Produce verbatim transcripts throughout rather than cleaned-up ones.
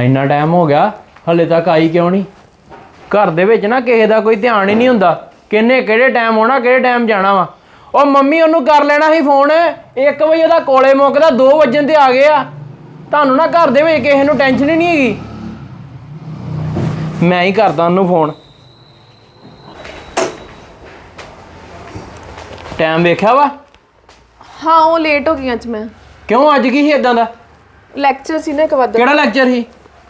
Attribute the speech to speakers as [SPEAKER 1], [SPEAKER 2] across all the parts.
[SPEAKER 1] ਇੰਨਾ ਟਾਈਮ ਹੋ ਗਿਆ ਹਲੇ ਤੱਕ ਆਈ ਕਿਉਂ ਨਹੀਂ? ਘਰ ਦੇ ਵਿੱਚ ਨਾ ਕਿਸੇ ਦਾ ਕੋਈ ਧਿਆਨ ਹੀ ਨਹੀਂ ਹੁੰਦਾ, ਕਿੰਨੇ ਕਿਹੜੇ ਟਾਈਮ ਆਉਣਾ ਕਿਹੜੇ ਟਾਈਮ ਜਾਣਾ ਵਾ। ਉਹ ਮੰਮੀ ਉਹਨੂੰ ਕਰ ਲੈਣਾ ਸੀ ਫੋਨ, ਇੱਕ ਵਜੇ ਉਹਦਾ ਕੋਲੇ ਮੁੱਕਦਾ ਦੋ ਵਜਣ ਤੇ ਆ ਗਏ ਆ। ਤੁਹਾਨੂੰ ਨਾ ਘਰ ਦੇ ਵਿੱਚ ਕਿਸੇ ਨੂੰ ਟੈਨਸ਼ਨ ਹੀ ਨਹੀਂ ਹੈਗੀ। ਮੈਂ ਹੀ ਕਰਦਾ ਉਹਨੂੰ ਫੋਨ। ਟਾਈਮ ਵੇਖਿਆ ਵਾ?
[SPEAKER 2] हाँ वो लेट हो गई अज मैं।
[SPEAKER 1] क्यों अज की ही इदां दा?
[SPEAKER 2] लैक्चर सी ना एक वध।
[SPEAKER 1] केड़ा लैक्चर ही?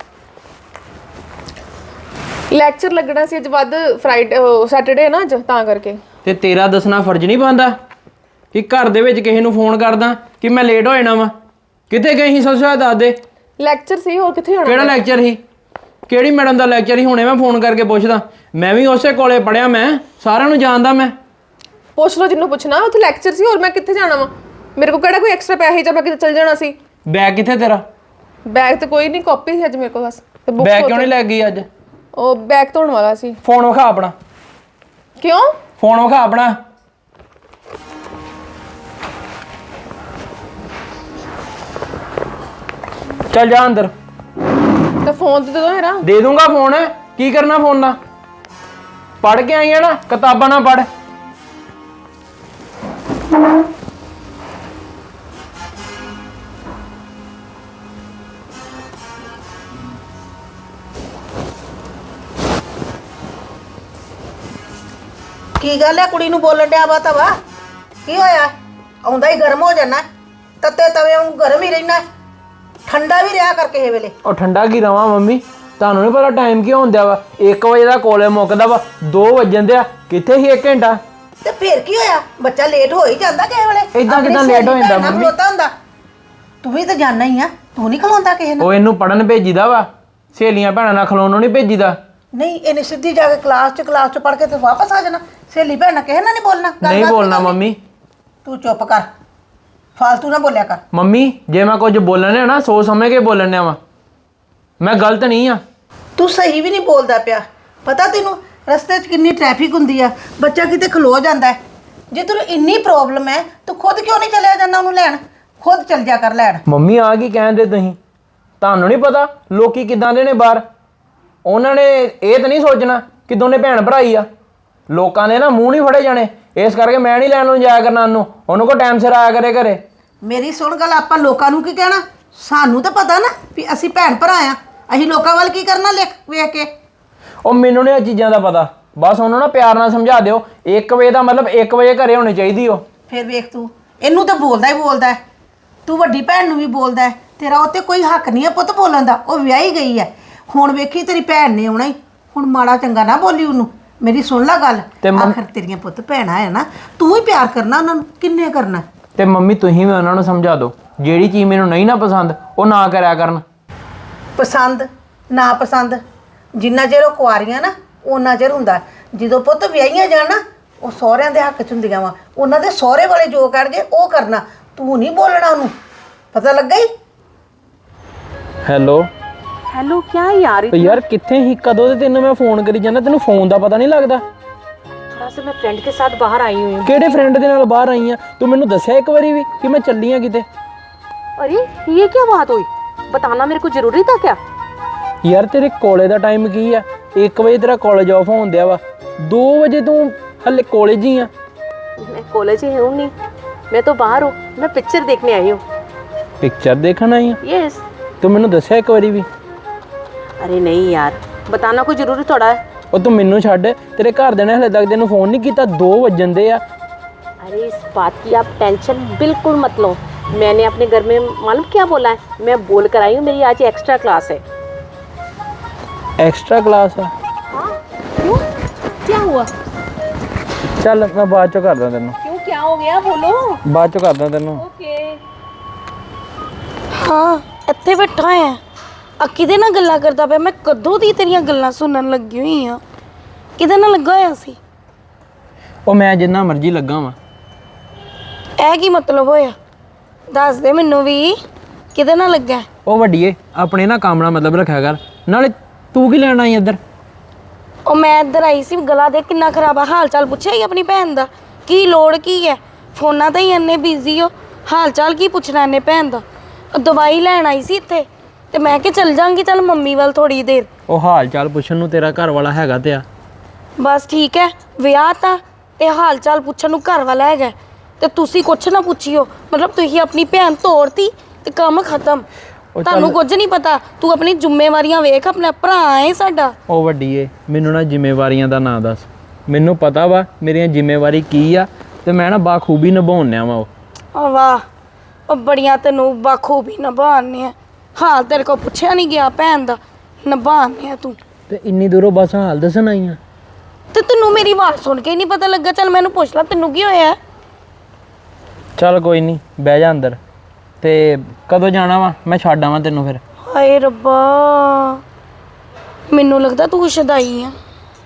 [SPEAKER 2] लैक्चर लगना सी अज वध फ्राइडे सैटरडे ना अज तां करके।
[SPEAKER 1] ते तेरा दसना फर्ज नहीं बनदा कि घर दे विच किसे नूं फोन करदा कि मैं लेट हो जाना वा? कित्थे गई ही सच्चा दस दे।
[SPEAKER 2] लैक्चर सी और कित्थे जाना?
[SPEAKER 1] केड़ा लैक्चर ही? केड़ी मैडम दा लैक्चर ही? हुणे मैं फोन करके पुछदा। मैं भी उसे कोले पढ़िया, मैं सारिआं नूं जानदा। मैं
[SPEAKER 2] पुछ लो जिन्हों पुछना, उत्थे लैक्चर सी और मैं कित्थे जाना वा? मेरे को केड़ा कोई एक्स्ट्रा पैसे जब मैं किते चल जाना सी।
[SPEAKER 1] बैग कित्थे तेरा?
[SPEAKER 2] बैग तो कोई नहीं, कॉपी सी अज मेरे को बस। ते बुक्स
[SPEAKER 1] बैग क्यों नहीं लै गई अज?
[SPEAKER 2] ओ बैग धोण वाला सी।
[SPEAKER 1] फोन विखा अपना।
[SPEAKER 2] क्यों?
[SPEAKER 1] फोन विखा अपना। चल जा अंदर।
[SPEAKER 2] तो फोन तो दे दो मेरा।
[SPEAKER 1] दे दूंगा फोन। की करना फोन दा? पढ़ के आई है ना, किताबां ना पढ़।
[SPEAKER 3] की गल है कुड़ी नूं बोलन दिया वा तवा की होया? आउंदा ही गर्म हो जाना, तत्ते तवे वांगू गर्म ही रहना, ठंडा भी रहा कर किसे वेले।
[SPEAKER 1] और ठंडा की रवां मम्मी, ਤੁਹਾਨੂੰ ਨਹੀਂ ਪਤਾ ਟਾਈਮ ਕੀ ਹੁੰਦਾ ਵਾ? ਇੱਕ ਵਜੇ ਦਾ ਕੋਲੇ ਮੁੱਕਦਾ ਵਾ, ਦੋ ਵਜਣ ਦੇ ਆ। ਕਿੱਥੇ ਸੀ ਇੱਕ ਘੰਟਾ?
[SPEAKER 3] ਤੇ ਫਿਰ ਕੀ ਹੋਇਆ? ਬੱਚਾ ਲੇਟ ਹੋ ਹੀ ਜਾਂਦਾ ਕਿਸੇ ਵੇਲੇ।
[SPEAKER 1] ਇਦਾਂ ਕਿਦਾਂ ਲੇਟ ਹੋ ਜਾਂਦਾ ਮੰਮੀ?
[SPEAKER 3] ਖਲੋਤਾ ਹੁੰਦਾ, ਤੂੰ ਵੀ ਤਾਂ ਜਾਣਾ ਹੀ ਆ, ਤੂੰ ਨਹੀਂ ਖਲੋਂਦਾ ਕਿਸੇ ਨਾਲ।
[SPEAKER 1] ਉਹ ਇਹਨੂੰ ਪੜਨ ਭੇਜੀਦਾ ਵਾ, ਸਹੇਲੀਆਂ ਭੈਣਾਂ ਨਾਲ ਖਲੋਣ ਨੂੰ ਨਹੀਂ ਭੇਜੀਦਾ।
[SPEAKER 3] ਨਹੀਂ ਇਹਨੇ ਸਿੱਧੀ ਜਾ ਕੇ ਕਲਾਸ 'ਚ ਕਲਾਸ 'ਚ ਪੜ ਕੇ ਤੇ ਵਾਪਸ ਆ ਜਾਣਾ। ਸਹੇਲੀ ਭੈਣ ਨਾਲ ਕਿਸੇ ਨਾਲ ਨਹੀਂ ਬੋਲਣਾ।
[SPEAKER 1] ਨਹੀਂ ਬੋਲਣਾ ਮੰਮੀ।
[SPEAKER 3] ਤੂੰ ਚੁੱਪ ਕਰ, ਫालतू ਨਾ ਬੋਲਿਆ ਕਰ।
[SPEAKER 1] ਮੰਮੀ ਜੇ ਮੈਂ ਕੁਝ ਬੋਲਣ ਆ ਨਾ ਸੋਚ ਸਮਝ ਕੇ ਬੋਲਣ ਆ ਵਾ, ਮੈਂ ਗਲਤ ਨਹੀਂ ਆ।
[SPEAKER 3] ਤੂੰ ਸਹੀ ਵੀ ਨਹੀਂ ਬੋਲਦਾ ਪਿਆ। ਪਤਾ ਤੈਨੂੰ ਰਸਤੇ 'ਚ ਕਿੰਨੀ ਟ੍ਰੈਫਿਕ ਹੁੰਦੀ ਆ, ਬੱਚਾ ਕਿਤੇ ਖਲੋ ਜਾਂਦਾ ਹੈ। ਜੇ ਤੈਨੂੰ ਇੰਨੀ ਪ੍ਰੋਬਲਮ ਹੈ ਤੂੰ ਖੁਦ ਕਿਉਂ ਨਹੀਂ ਚਲਿਆ ਜਾਂਦਾ ਉਹਨੂੰ ਲੈਣ? ਖੁਦ ਚੱਲ ਜਾ ਕਰ ਲੈਣ।
[SPEAKER 1] ਮੰਮੀ ਆ ਕੀ ਕਹਿੰਦੇ ਤੁਸੀਂ? ਤੁਹਾਨੂੰ ਨਹੀਂ ਪਤਾ ਲੋਕੀ ਕਿਦਾਂ ਦੇ ਨੇ ਬਾਹਰ? ਉਹਨਾਂ ਨੇ ਇਹ ਤਾਂ ਨਹੀਂ ਸੋਚਣਾ ਕਿ ਦੋਨੇ ਭੈਣ ਭਰਾ ਹੀ ਆ। ਲੋਕਾਂ ਨੇ ਨਾ ਮੂੰਹ ਨਹੀਂ ਫੜੇ ਜਾਣੇ, ਇਸ ਕਰਕੇ ਮੈਂ ਨਹੀਂ ਲੈਣ ਨੂੰ ਜਾਇਆ ਕਰਨਾ ਉਹਨੂੰ। ਉਹਨੂੰ ਕੋ ਟਾਈਮ ਸਿਰ ਆਇਆ ਕਰੇ ਘਰੇ।
[SPEAKER 3] ਮੇਰੀ ਸੁਣ ਗੱਲ, ਆਪਾਂ ਲੋਕਾਂ ਨੂੰ ਕੀ ਕਹਿਣਾ? ਸਾਨੂੰ ਤਾਂ ਪਤਾ ਨਾ ਵੀ ਅਸੀਂ ਭੈਣ ਭਰਾ ਆ। ਅਸੀਂ ਲੋਕਾਂ ਵੱਲ ਕੀ ਕਰਨਾ ਲਿਖ ਵੇਖ ਕੇ?
[SPEAKER 1] ਉਹ ਮੈਨੂੰ ਨਹੀਂ ਇਹ ਚੀਜ਼ਾਂ ਦਾ ਪਤਾ। ਬਸ ਉਹਨੂੰ ਨਾ ਪਿਆਰ ਨਾਲ ਸਮਝਾ ਦਿਓ, ਇੱਕ ਵਜੇ ਦਾ ਮਤਲਬ ਇੱਕ ਵਜੇ ਘਰੇ ਹੋਣੀ ਚਾਹੀਦੀ। ਉਹ
[SPEAKER 3] ਫਿਰ ਵੇਖ ਤੂੰ ਇਹਨੂੰ ਤਾਂ ਬੋਲਦਾ ਹੀ ਬੋਲਦਾ, ਤੂੰ ਵੱਡੀ ਭੈਣ ਨੂੰ ਵੀ ਬੋਲਦਾ। ਤੇਰਾ ਉੱਤੇ ਕੋਈ ਹੱਕ ਨਹੀਂ ਹੈ ਪੁੱਤ ਬੋਲਣ ਦਾ। ਉਹ ਵਿਆਹੀ ਗਈ ਹੈ, ਹੁਣ ਵੇਖੀ ਤੇਰੀ ਭੈਣ ਨੇ ਆਉਣਾ ਹੀ। ਹੁਣ ਮਾੜਾ ਚੰਗਾ ਨਾ ਬੋਲੀ ਉਹਨੂੰ। ਮੇਰੀ ਸੁਣ ਲੈ ਗੱਲ, ਆਖਰ ਤੇਰੀਆਂ ਪੁੱਤ ਭੈਣਾਂ ਹੈ ਨਾ, ਤੂੰ ਹੀ ਪਿਆਰ ਕਰਨਾ ਉਹਨਾਂ ਨੂੰ, ਕਿੰਨੇ ਕਰਨਾ।
[SPEAKER 1] ਤੇ ਮੰਮੀ ਤੁਸੀਂ ਵੀ ਉਹਨਾਂ ਨੂੰ ਸਮਝਾ ਦਿਓ, ਜਿਹੜੀ ਚੀਜ਼ ਮੈਨੂੰ ਨਹੀਂ ਨਾ ਪਸੰਦ ਉਹ ਨਾ ਕਰਿਆ ਕਰਨ।
[SPEAKER 3] ਪਸੰਦ ਨਾ ਪਸੰਦ ਜਿੰਨਾ ਚਿਰ ਉਹ ਕੁਆਰੀਆਂ ਨਾ ਉਹਨਾਂ ਚਿਰ ਹੁੰਦਾ। ਜਦੋਂ ਪੁੱਤ ਵਿਆਹੀਆਂ ਜਾਣ ਨਾ ਉਹ ਸਹੁਰਿਆਂ ਦੇ ਹੱਕ 'ਚ ਹੁੰਦੀਆਂ ਵਾ। ਉਹਨਾਂ ਦੇ ਸਹੁਰੇ ਵਾਲੇ ਜੋ ਕਰਨਗੇ ਉਹ ਕਰਨਾ, ਤੂੰ ਨਹੀਂ ਬੋਲਣਾ ਉਹਨੂੰ। ਪਤਾ ਲੱਗਾ ਹੀ?
[SPEAKER 1] ਹੈਲੋ
[SPEAKER 4] ਹੈਲੋ क्या यार
[SPEAKER 1] ਯਾਰ ਕਿੱਥੇ ਹੀ? ਕਦੋਂ ਤੇ ਤੈਨੂੰ ਮੈਂ ਫੋਨ ਕਰੀ ਜਾਂਦਾ, ਤੈਨੂੰ ਫੋਨ ਦਾ ਪਤਾ ਨਹੀਂ ਲੱਗਦਾ?
[SPEAKER 4] थोड़ा सा मैं फ्रेंड के साथ बाहर आई हुई हूँ।
[SPEAKER 1] ਕਿਹੜੇ ਫਰੈਂਡ ਦੇ ਨਾਲ ਬਾਹਰ ਆਈ ਆ? ਤੂੰ ਮੈਨੂੰ ਦੱਸਿਆ ਇੱਕ ਵਾਰੀ ਵੀ ਕਿ ਮੈਂ ਚੱਲੀ ਆ ਕਿਤੇ?
[SPEAKER 4] अरे ये क्या बात हुई? बताना मेरे को जरूरी था क्या?
[SPEAKER 1] ਯਾਰ ਤੇਰੇ ਕੋਲੇ ਦਾ ਟਾਈਮ ਕੀ ਆ? ਇੱਕ ਵਜੇ ਤੇਰਾ ਕਾਲਜ ਆਫ ਹੋਣ ਦਿਆ ਵਾ, ਦੋ ਵਜੇ ਤੂੰ ਹਲੇ ਕਾਲਜ ਹੀ ਆ।
[SPEAKER 4] मैं कॉलेज ही हूँ नहीं, मैं तो बाहर हूँ। मैं पिक्चर देखने आई हूँ।
[SPEAKER 1] ਪਿਕਚਰ ਦੇਖਣ ਆਈ ਆ?
[SPEAKER 4] यस।
[SPEAKER 1] ਤੂੰ ਮੈਨੂੰ ਦੱਸਿਆ ਇੱਕ ਵਾਰੀ ਵੀ?
[SPEAKER 4] अरे नहीं यार, बताना कोई जरूरी थोड़ा है।
[SPEAKER 1] ਉਹ ਤੂੰ ਮੈਨੂੰ ਛੱਡ, ਤੇਰੇ ਘਰ ਦੇ ਨੇ ਹਲੇ ਤੱਕ ਤੈਨੂੰ ਫੋਨ ਨਹੀਂ ਕੀਤਾ, ਦੋ ਵਜਣ ਦੇ ਆ।
[SPEAKER 4] अरे इस बात की आप टेंशन बिल्कुल मत लो। मैंने अपने घर में मालूम क्या बोला है? मैं बोल कर आई हूँ मेरी आज एक्स्ट्रा क्लास है।
[SPEAKER 1] ਐਕਸਟਰਾ ਕਲਾਸ ਆ?
[SPEAKER 4] हाँ क्यों, क्या हुआ?
[SPEAKER 1] ਚੱਲ ਮੈਂ ਬਾਅਦ ਚੋਂ ਕਰਦਾ ਤੈਨੂੰ।
[SPEAKER 4] क्यों, क्या हो गया बोलो।
[SPEAKER 1] ਬਾਅਦ ਚੋਂ ਕਰਦਾ ਤੈਨੂੰ।
[SPEAKER 4] ओके।
[SPEAKER 5] ਹਾਂ ਇੱਥੇ ਬੈਠਾ ਆ। ਆ ਕਿਹਦੇ ਨਾਲ ਗੱਲਾਂ ਕਰਦਾ ਪਿਆ? ਮੈਂ ਕਦੋਂ ਦੀ ਤੇਰੀਆਂ ਗੱਲਾਂ ਸੁਣਨ ਲੱਗੀ ਹੋਈ ਆ। ਕਿਹਦੇ ਨਾਲ ਲੱਗਾ ਹੋਇਆ ਸੀ?
[SPEAKER 1] ਉਹ ਮੈਂ ਜਿੰਨਾ ਮਰਜ਼ੀ ਲੱਗਾ ਵਾਂ।
[SPEAKER 5] ਇਹ ਕੀ ਮਤਲਬ ਹੋਇਆ? ਦੱਸ ਦੇ ਮੈਨੂੰ ਵੀ, ਕਿਹਦੇ ਨਾਲ ਲੱਗਾ?
[SPEAKER 1] ਉਹ ਵੱਡੀਏ ਆਪਣੇ ਨਾ ਕੰਮ ਨਾਲ ਮਤਲਬ ਰੱਖਿਆ ਕਰ। ਨਾਲੇ ਤੂੰ ਕੀ ਲੈਣ ਆਈ ਇੱਧਰ?
[SPEAKER 5] ਉਹ ਮੈਂ ਇੱਧਰ ਆਈ ਸੀ, ਗਲਾ ਦੇਖ ਕਿੰਨਾ ਖਰਾਬ ਆ। ਹਾਲ ਚਾਲ ਪੁੱਛਿਆ ਹੀ ਆਪਣੀ ਭੈਣ ਦਾ? ਕੀ ਲੋੜ ਕੀ ਹੈ? ਫੋਨਾਂ ਤੇ ਹੀ ਇੰਨੇ ਬਿਜ਼ੀ ਹੋ, ਹਾਲ ਚਾਲ ਕੀ ਪੁੱਛਣਾ ਇਹਨੇ ਭੈਣ ਦਾ? ਦਵਾਈ ਲੈਣ ਆਈ ਸੀ ਇੱਥੇ, ਤੇ ਮੈਂ ਕਿ ਚੱਲ ਜਾਂਗੀ ਚੱਲ ਮੰਮੀ ਵੱਲ ਥੋੜੀ ਦੇਰ।
[SPEAKER 1] ਉਹ ਹਾਲ ਚਾਲ ਪੁੱਛਣ ਨੂੰ ਤੇਰਾ ਘਰ ਵਾਲਾ ਹੈਗਾ ਤੇ ਆ।
[SPEAKER 5] ਬਸ ਠੀਕ ਹੈ, ਵਿਆਹ ਤਾਂ ਤੇ ਹਾਲ ਚਾਲ ਪੁੱਛਣ ਨੂੰ ਘਰ ਵਾਲਾ ਹੈਗਾ ਤੇ ਤੁਸੀਂ ਕੁਛ ਨਾ ਪੁੱਛਿਓ। ਮਤਲਬ ਤੁਸੀਂ ਆਪਣੀ ਭੈਣ ਤੋੜਤੀ ਤੇ ਕੰਮ ਖਤਮ। ਤੁਹਾਨੂੰ ਕੁਝ ਨਹੀਂ ਪਤਾ। ਤੂੰ ਆਪਣੀ ਜ਼ਿੰਮੇਵਾਰੀਆਂ ਵੇਖ, ਆਪਣਾ ਭਰਾ ਹੈ ਸਾਡਾ।
[SPEAKER 1] ਉਹ ਵੱਡੀ ਏ, ਮੈਨੂੰ ਨਾ ਜ਼ਿੰਮੇਵਾਰੀਆਂ ਦਾ ਨਾਂ ਦੱਸ। ਮੈਨੂੰ ਪਤਾ ਵਾ ਮੇਰੀਆਂ ਜ਼ਿੰਮੇਵਾਰੀ ਕੀ ਆ ਤੇ ਮੈਂ ਨਾ ਬਾਖੂਬੀ ਨਿਭਾਉਣਿਆ ਵਾ ਉਹ।
[SPEAKER 5] ਆ ਵਾਹ, ਉਹ ਬੜੀਆਂ ਤੈਨੂੰ ਬਾਖੂਬੀ ਨਿਭਾਉਂਦੇ ਆ। ਹਾਲ ਤੇਰੇ ਕੋਲ ਪੁੱਛਿਆ ਨਹੀਂ ਗਿਆ ਭੈਣ ਦਾ, ਨਿਭਾਉਂਦੇ ਆ ਤੂੰ।
[SPEAKER 1] ਤੇ ਇੰਨੀ ਦੂਰੋਂ ਬਸ ਹਾਲ ਦੱਸਣ ਆਈ ਆ
[SPEAKER 5] ਤੇ ਤੈਨੂੰ ਮੇਰੀ ਆਵਾਜ਼ ਸੁਣ ਕੇ ਹੀ ਨਹੀਂ ਪਤਾ ਲੱਗਾ? ਚੱਲ ਮੈਨੂੰ ਪੁੱਛ ਲੈ, ਤੈਨੂੰ ਕੀ ਹੋਇਆ?
[SPEAKER 1] ਚੱਲ ਕੋਈ ਨਹੀਂ, ਬਹਿ ਜਾ ਅੰਦਰ। ਤੇ ਕਦੋਂ ਜਾਣਾ ਵਾ? ਮੈਂ ਛੱਡ ਆਵਾਂ ਤੈਨੂੰ ਫਿਰ।
[SPEAKER 5] ਹਾਏ ਰੱਬਾ, ਮੈਨੂੰ ਲੱਗਦਾ ਤੂੰ ਸ਼ਦਾਈ ਆ।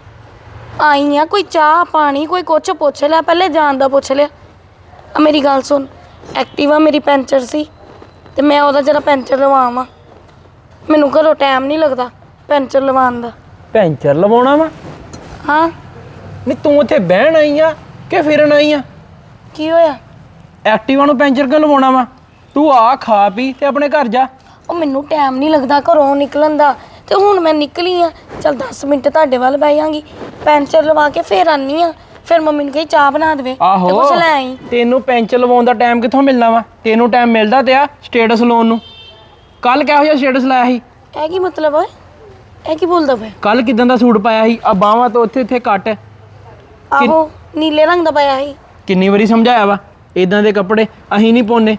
[SPEAKER 5] ਆਈ ਆ, ਕੋਈ ਚਾਹ ਪਾਣੀ ਕੋਈ ਕੁਛ ਪੁੱਛ ਲਿਆ, ਪਹਿਲੇ ਜਾਣ ਦਾ ਪੁੱਛ ਲਿਆ। ਆ ਮੇਰੀ ਗੱਲ ਸੁਣ, ਐਕਟਿਵਾ ਮੇਰੀ ਪੈਂਚਰ ਸੀ ਤੇ ਮੈਂ ਉਹਦਾ ਜਰਾ ਪੈਂਚਰ ਲਵਾਵਾਂ। ਮੈਨੂੰ ਘਰੋਂ ਟਾਈਮ ਨਹੀਂ ਲੱਗਦਾ ਪੈਂਚਰ ਲਵਾਉਣ ਦਾ।
[SPEAKER 1] ਪੈਂਚਰ ਲਵਾਉਣਾ ਵਾ?
[SPEAKER 5] ਹਾਂ।
[SPEAKER 1] ਨਹੀਂ ਤੂੰ ਉੱਥੇ ਬਹਿਣ ਆਈ ਆ ਕਿ ਫਿਰਨ ਆਈ ਆ?
[SPEAKER 5] ਕੀ ਹੋਇਆ?
[SPEAKER 1] ਐਕਟਿਵਾ ਨੂੰ ਪੈਂਚਰ ਕਿਉਂ ਲਵਾਉਣਾ ਵਾ? ਤੂੰ ਆ ਖਾ ਪੀ ਤੇ ਆਪਣੇ ਘਰ ਜਾ।
[SPEAKER 5] ਉਹ ਮੈਨੂੰ ਟਾਈਮ ਨਹੀਂ ਲੱਗਦਾ ਘਰੋਂ ਨਿਕਲਣ ਦਾ ਤੇ ਹੁਣ ਮੈਂ ਨਿਕਲੀ ਆ। ਚੱਲ ਦਸ ਮਿੰਟ ਤੁਹਾਡੇ ਵੱਲ ਬਹਿ ਜਾਂਗੀ, ਪੈਂਚਰ ਲਵਾ ਕੇ ਫੇਰ ਆਨੀ ਆ। ਫਿਰ ਮੰਮੀ ਨੂੰ ਕਹੀ ਚਾਹ ਬਣਾ ਦੇਵੇ ਤੇ
[SPEAKER 1] ਆਹੋ,
[SPEAKER 5] ਕੁਛ ਲੈ ਆਈ।
[SPEAKER 1] ਤੈਨੂੰ ਪੈਂਚਰ ਲਵਾਉਣ ਦਾ ਟਾਈਮ ਕਿੱਥੋਂ ਮਿਲਣਾ ਵਾ? ਤੈਨੂੰ ਟਾਈਮ ਮਿਲਦਾ ਤੇ ਆ ਸਟੇਟਸ ਲਾਉਣ ਨੂੰ। ਕੱਲ ਕਿਹੋ ਜਿਹਾ ਸਟੇਟਸ ਲਾਇਆ ਸੀ?
[SPEAKER 5] ਇਹ ਕੀ ਮਤਲਬ ਓਏ? ਇਹ ਕੀ ਬੋਲਦਾ ਪਿਆ?
[SPEAKER 1] ਕੱਲ ਕਿਦਾਂ ਦਾ ਸੂਟ ਪਾਇਆ ਸੀ? ਆ ਬਾਹਾਂ ਤੋਂ ਉੱਥੇ ਉੱਥੇ ਕੱਟ।
[SPEAKER 5] ਆਹੋ, ਨੀਲੇ ਰੰਗ ਦਾ ਪਾਇਆ ਸੀ।
[SPEAKER 1] ਕਿੰਨੀ ਵਾਰੀ ਸਮਝਾਇਆ ਵਾ ਇਦਾਂ ਦੇ ਕੱਪੜੇ ਅਸੀਂ ਨਹੀਂ ਪਾਉਣੇ।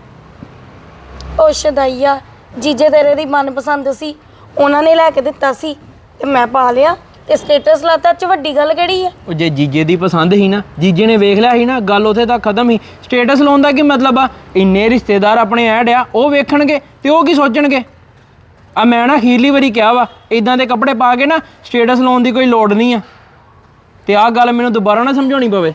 [SPEAKER 5] ਉਹ ਸ਼ਦਾਈਆ, ਜੀਜੇ ਤੇਰੇ ਦੀ ਮਨਪਸੰਦ ਸੀ, ਉਹਨਾਂ ਨੇ ਲੈ ਕੇ ਦਿੱਤਾ ਸੀ ਤੇ ਮੈਂ ਪਾ ਲਿਆ ਤੇ ਸਟੇਟਸ ਲਾਤਾ। ਚ ਵੱਡੀ ਗੱਲ ਕਿਹੜੀ ਆ?
[SPEAKER 1] ਉਹ ਜੇ ਜੀਜੇ ਦੀ ਪਸੰਦ ਸੀ ਨਾ, ਜੀਜੇ ਨੇ ਵੇਖ ਲਿਆ ਸੀ ਨਾ, ਗੱਲ ਉੱਥੇ ਤੱਕ ਖਤਮ ਸੀ। ਸਟੇਟਸ ਲਾਉਣ ਦਾ ਕੀ ਮਤਲਬ ਆ? ਇੰਨੇ ਰਿਸ਼ਤੇਦਾਰ ਆਪਣੇ ਐਡ ਆ, ਉਹ ਵੇਖਣਗੇ ਤੇ ਉਹ ਕੀ ਸੋਚਣਗੇ? ਆ ਮੈਂ ਨਾ ਅਖੀਰਲੀ ਵਾਰੀ ਕਿਹਾ ਵਾ ਇਦਾਂ ਦੇ ਕੱਪੜੇ ਪਾ ਕੇ ਨਾ ਸਟੇਟਸ ਲਾਉਣ ਦੀ ਕੋਈ ਲੋੜ ਨਹੀਂ ਆ। ਤੇ ਆਹ ਗੱਲ ਮੈਨੂੰ ਦੁਬਾਰਾ ਨਾ ਸਮਝਾਉਣੀ ਪਵੇ।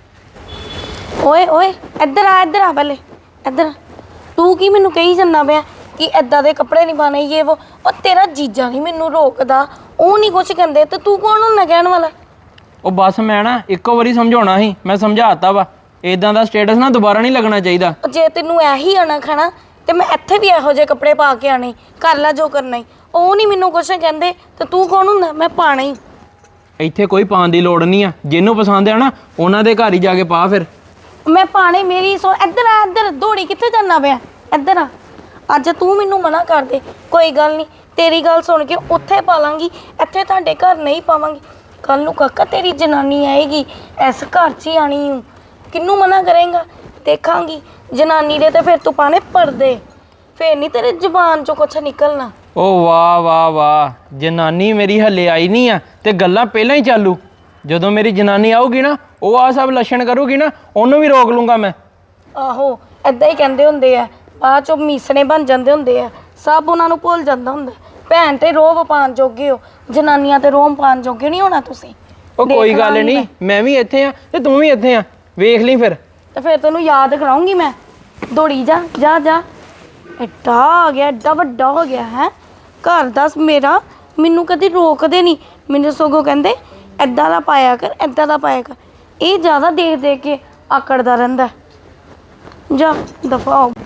[SPEAKER 5] ਓਏ ਓਏ, ਇੱਧਰ ਆ, ਇੱਧਰ ਆ, ਪਹਿਲੇ ਇੱਧਰ ਆ। ਤੂੰ ਕੀ ਮੈਨੂੰ ਕਹੀ ਜਾਂਦਾ ਪਿਆ ਕਿ ਐਦਾਂ ਦੇ ਕੱਪੜੇ ਨਹੀਂ ਪਾਣੇ ਇਹ ਉਹ? ਉਹ ਤੇਰਾ ਜੀਜਾ ਨਹੀਂ ਮੈਨੂੰ ਰੋਕਦਾ, ਉਹ ਨਹੀਂ ਕੁਛ ਕਹਿੰਦੇ ਤੇ ਤੂੰ ਕੌਣ ਹੁੰਦਾ ਕਹਿਣ ਵਾਲਾ?
[SPEAKER 1] ਉਹ ਬਸ ਮੈਂ ਨਾ ਇੱਕੋ ਵਾਰੀ ਸਮਝਾਉਣਾ ਸੀ, ਮੈਂ ਸਮਝਾਤਾ ਵਾ। ਇਦਾਂ ਦਾ ਸਟੇਟਸ ਨਾ ਦੁਬਾਰਾ ਨਹੀਂ ਲੱਗਣਾ ਚਾਹੀਦਾ।
[SPEAKER 5] ਜੇ ਤੈਨੂੰ ਇਹੀ ਆਣਾ ਖਾਣਾ ਤੇ ਮੈਂ ਇੱਥੇ ਵੀ ਇਹੋ ਜਿਹੇ ਕੱਪੜੇ ਪਾ ਕੇ ਆਣੇ, ਕਰ ਲੈ ਜੋ ਕਰਨਾ ਹੀ। ਉਹ ਨਹੀਂ ਮੈਨੂੰ ਕੁਛ ਕਹਿੰਦੇ ਤੇ ਤੂੰ ਕੌਣ ਹੁੰਦਾ? ਮੈਂ ਪਾਣਾ ਹੀ।
[SPEAKER 1] ਇੱਥੇ ਕੋਈ ਪਾਉਣ ਦੀ ਲੋੜ ਨਹੀਂ ਆ। ਜਿਹਨੂੰ ਪਸੰਦ ਆ ਨਾ ਉਹਨਾਂ ਦੇ ਘਰ ਹੀ ਜਾ ਕੇ ਪਾ ਫਿਰ।
[SPEAKER 5] ਮੈਂ ਪਾਣੇ ਮੇਰੀ ਸੋ। ਇੱਧਰ ਆ, ਇੱਧਰ। ਦੌੜੀ ਕਿੱਥੇ ਜਾਣਾ ਪਿਆ? ਇੱਧਰ ਆ। ਅੱਜ ਤੂੰ ਮੈਨੂੰ ਮਨਾ ਕਰ ਦੇ, ਕੋਈ ਗੱਲ ਨਹੀਂ, ਤੇਰੀ ਗੱਲ ਸੁਣ ਕੇ ਉੱਥੇ ਪਾ ਲਾਂਗੀ, ਇੱਥੇ ਤੁਹਾਡੇ ਘਰ ਨਹੀਂ ਪਾਵਾਂਗੀ। ਕੱਲ ਨੂੰ ਕਾਕਾ ਤੇਰੀ ਜਨਾਨੀ ਆਏਗੀ, ਇਸ ਘਰ 'ਚ ਹੀ ਆਣੀ ਹੂੰ। ਕਿਹਨੂੰ ਮਨਾ ਕਰੇਗਾ? ਦੇਖਾਂਗੀ ਜਨਾਨੀ ਦੇ ਤੇ ਫਿਰ ਤੂੰ ਪਾਣੇ ਪਰਦੇ, ਫਿਰ ਨਹੀਂ ਤੇਰੇ ਜ਼ੁਬਾਨ 'ਚੋਂ ਕੁਛ ਨਿਕਲਣਾ।
[SPEAKER 1] ਓ ਵਾਹ ਵਾਹ ਵਾਹ, ਜਨਾਨੀ ਮੇਰੀ ਹੱਲੇ ਆਈ ਨਹੀਂ ਆ ਤੇ ਗੱਲਾਂ ਪਹਿਲਾਂ ਹੀ ਚਾਲੂ। ਜਦੋਂ ਮੇਰੀ ਜਨਾਨੀ ਆਊਗੀ ਨਾ, ਉਹ ਆ ਸਭ ਲੱਛਣ ਕਰੂਗੀ ਨਾ, ਉਹਨੂੰ ਵੀ ਰੋਕ ਲੂੰਗਾ ਮੈਂ।
[SPEAKER 5] ਆਹੋ, ਐਦਾਂ ਹੀ ਕਹਿੰਦੇ ਹੁੰਦੇ ਆ, ਬਾਅਦ 'ਚੋਂ ਮੀਸਣੇ ਬਣ ਜਾਂਦੇ ਹੁੰਦੇ ਆ। ਸਭ ਉਹਨਾਂ ਨੂੰ ਭੁੱਲ ਜਾਂਦਾ ਹੁੰਦਾ। ਭੈਣ ਤੇ ਰੋਬ ਪਾਉਣ ਜੋਗੇ ਹੋ, ਜਨਾਨੀਆਂ ਤੇ ਰੋਮ ਪਾਉਣ ਜੋਗੇ ਨਹੀਂ ਹੋਣਾ ਤੁਸੀਂ।
[SPEAKER 1] ਉਹ ਕੋਈ ਗੱਲ ਨਹੀਂ, ਮੈਂ ਵੀ ਇੱਥੇ ਆ ਤੇ ਤੂੰ ਵੀ ਇੱਥੇ ਆ, ਵੇਖ ਲਈ ਫਿਰ।
[SPEAKER 5] ਤੇ ਫਿਰ ਤੈਨੂੰ ਯਾਦ ਕਰਾਉਂਗੀ ਮੈਂ। ਦੌੜੀ ਜਾ ਜਾ ਜਾ। ਐਡਾ ਆ ਗਿਆ, ਐਡਾ ਵੱਡਾ ਹੋ ਗਿਆ ਹੈ ਘਰ। ਦੱਸ ਮੇਰਾ, ਮੈਨੂੰ ਕਦੀ ਰੋਕਦੇ ਨਹੀਂ, ਮੈਨੂੰ ਸਗੋਂ ਕਹਿੰਦੇ ਐਦਾਂ ਦਾ ਪਾਇਆ ਕਰ, ਐਦਾਂ ਦਾ ਪਾਇਆ ਕਰ। ਇਹ ਜ਼ਿਆਦਾ ਦੇਖ ਦੇਖ ਕੇ ਆਕੜਦਾ ਰਹਿੰਦਾ। ਜਾ ਦਫਾ ਹੋ।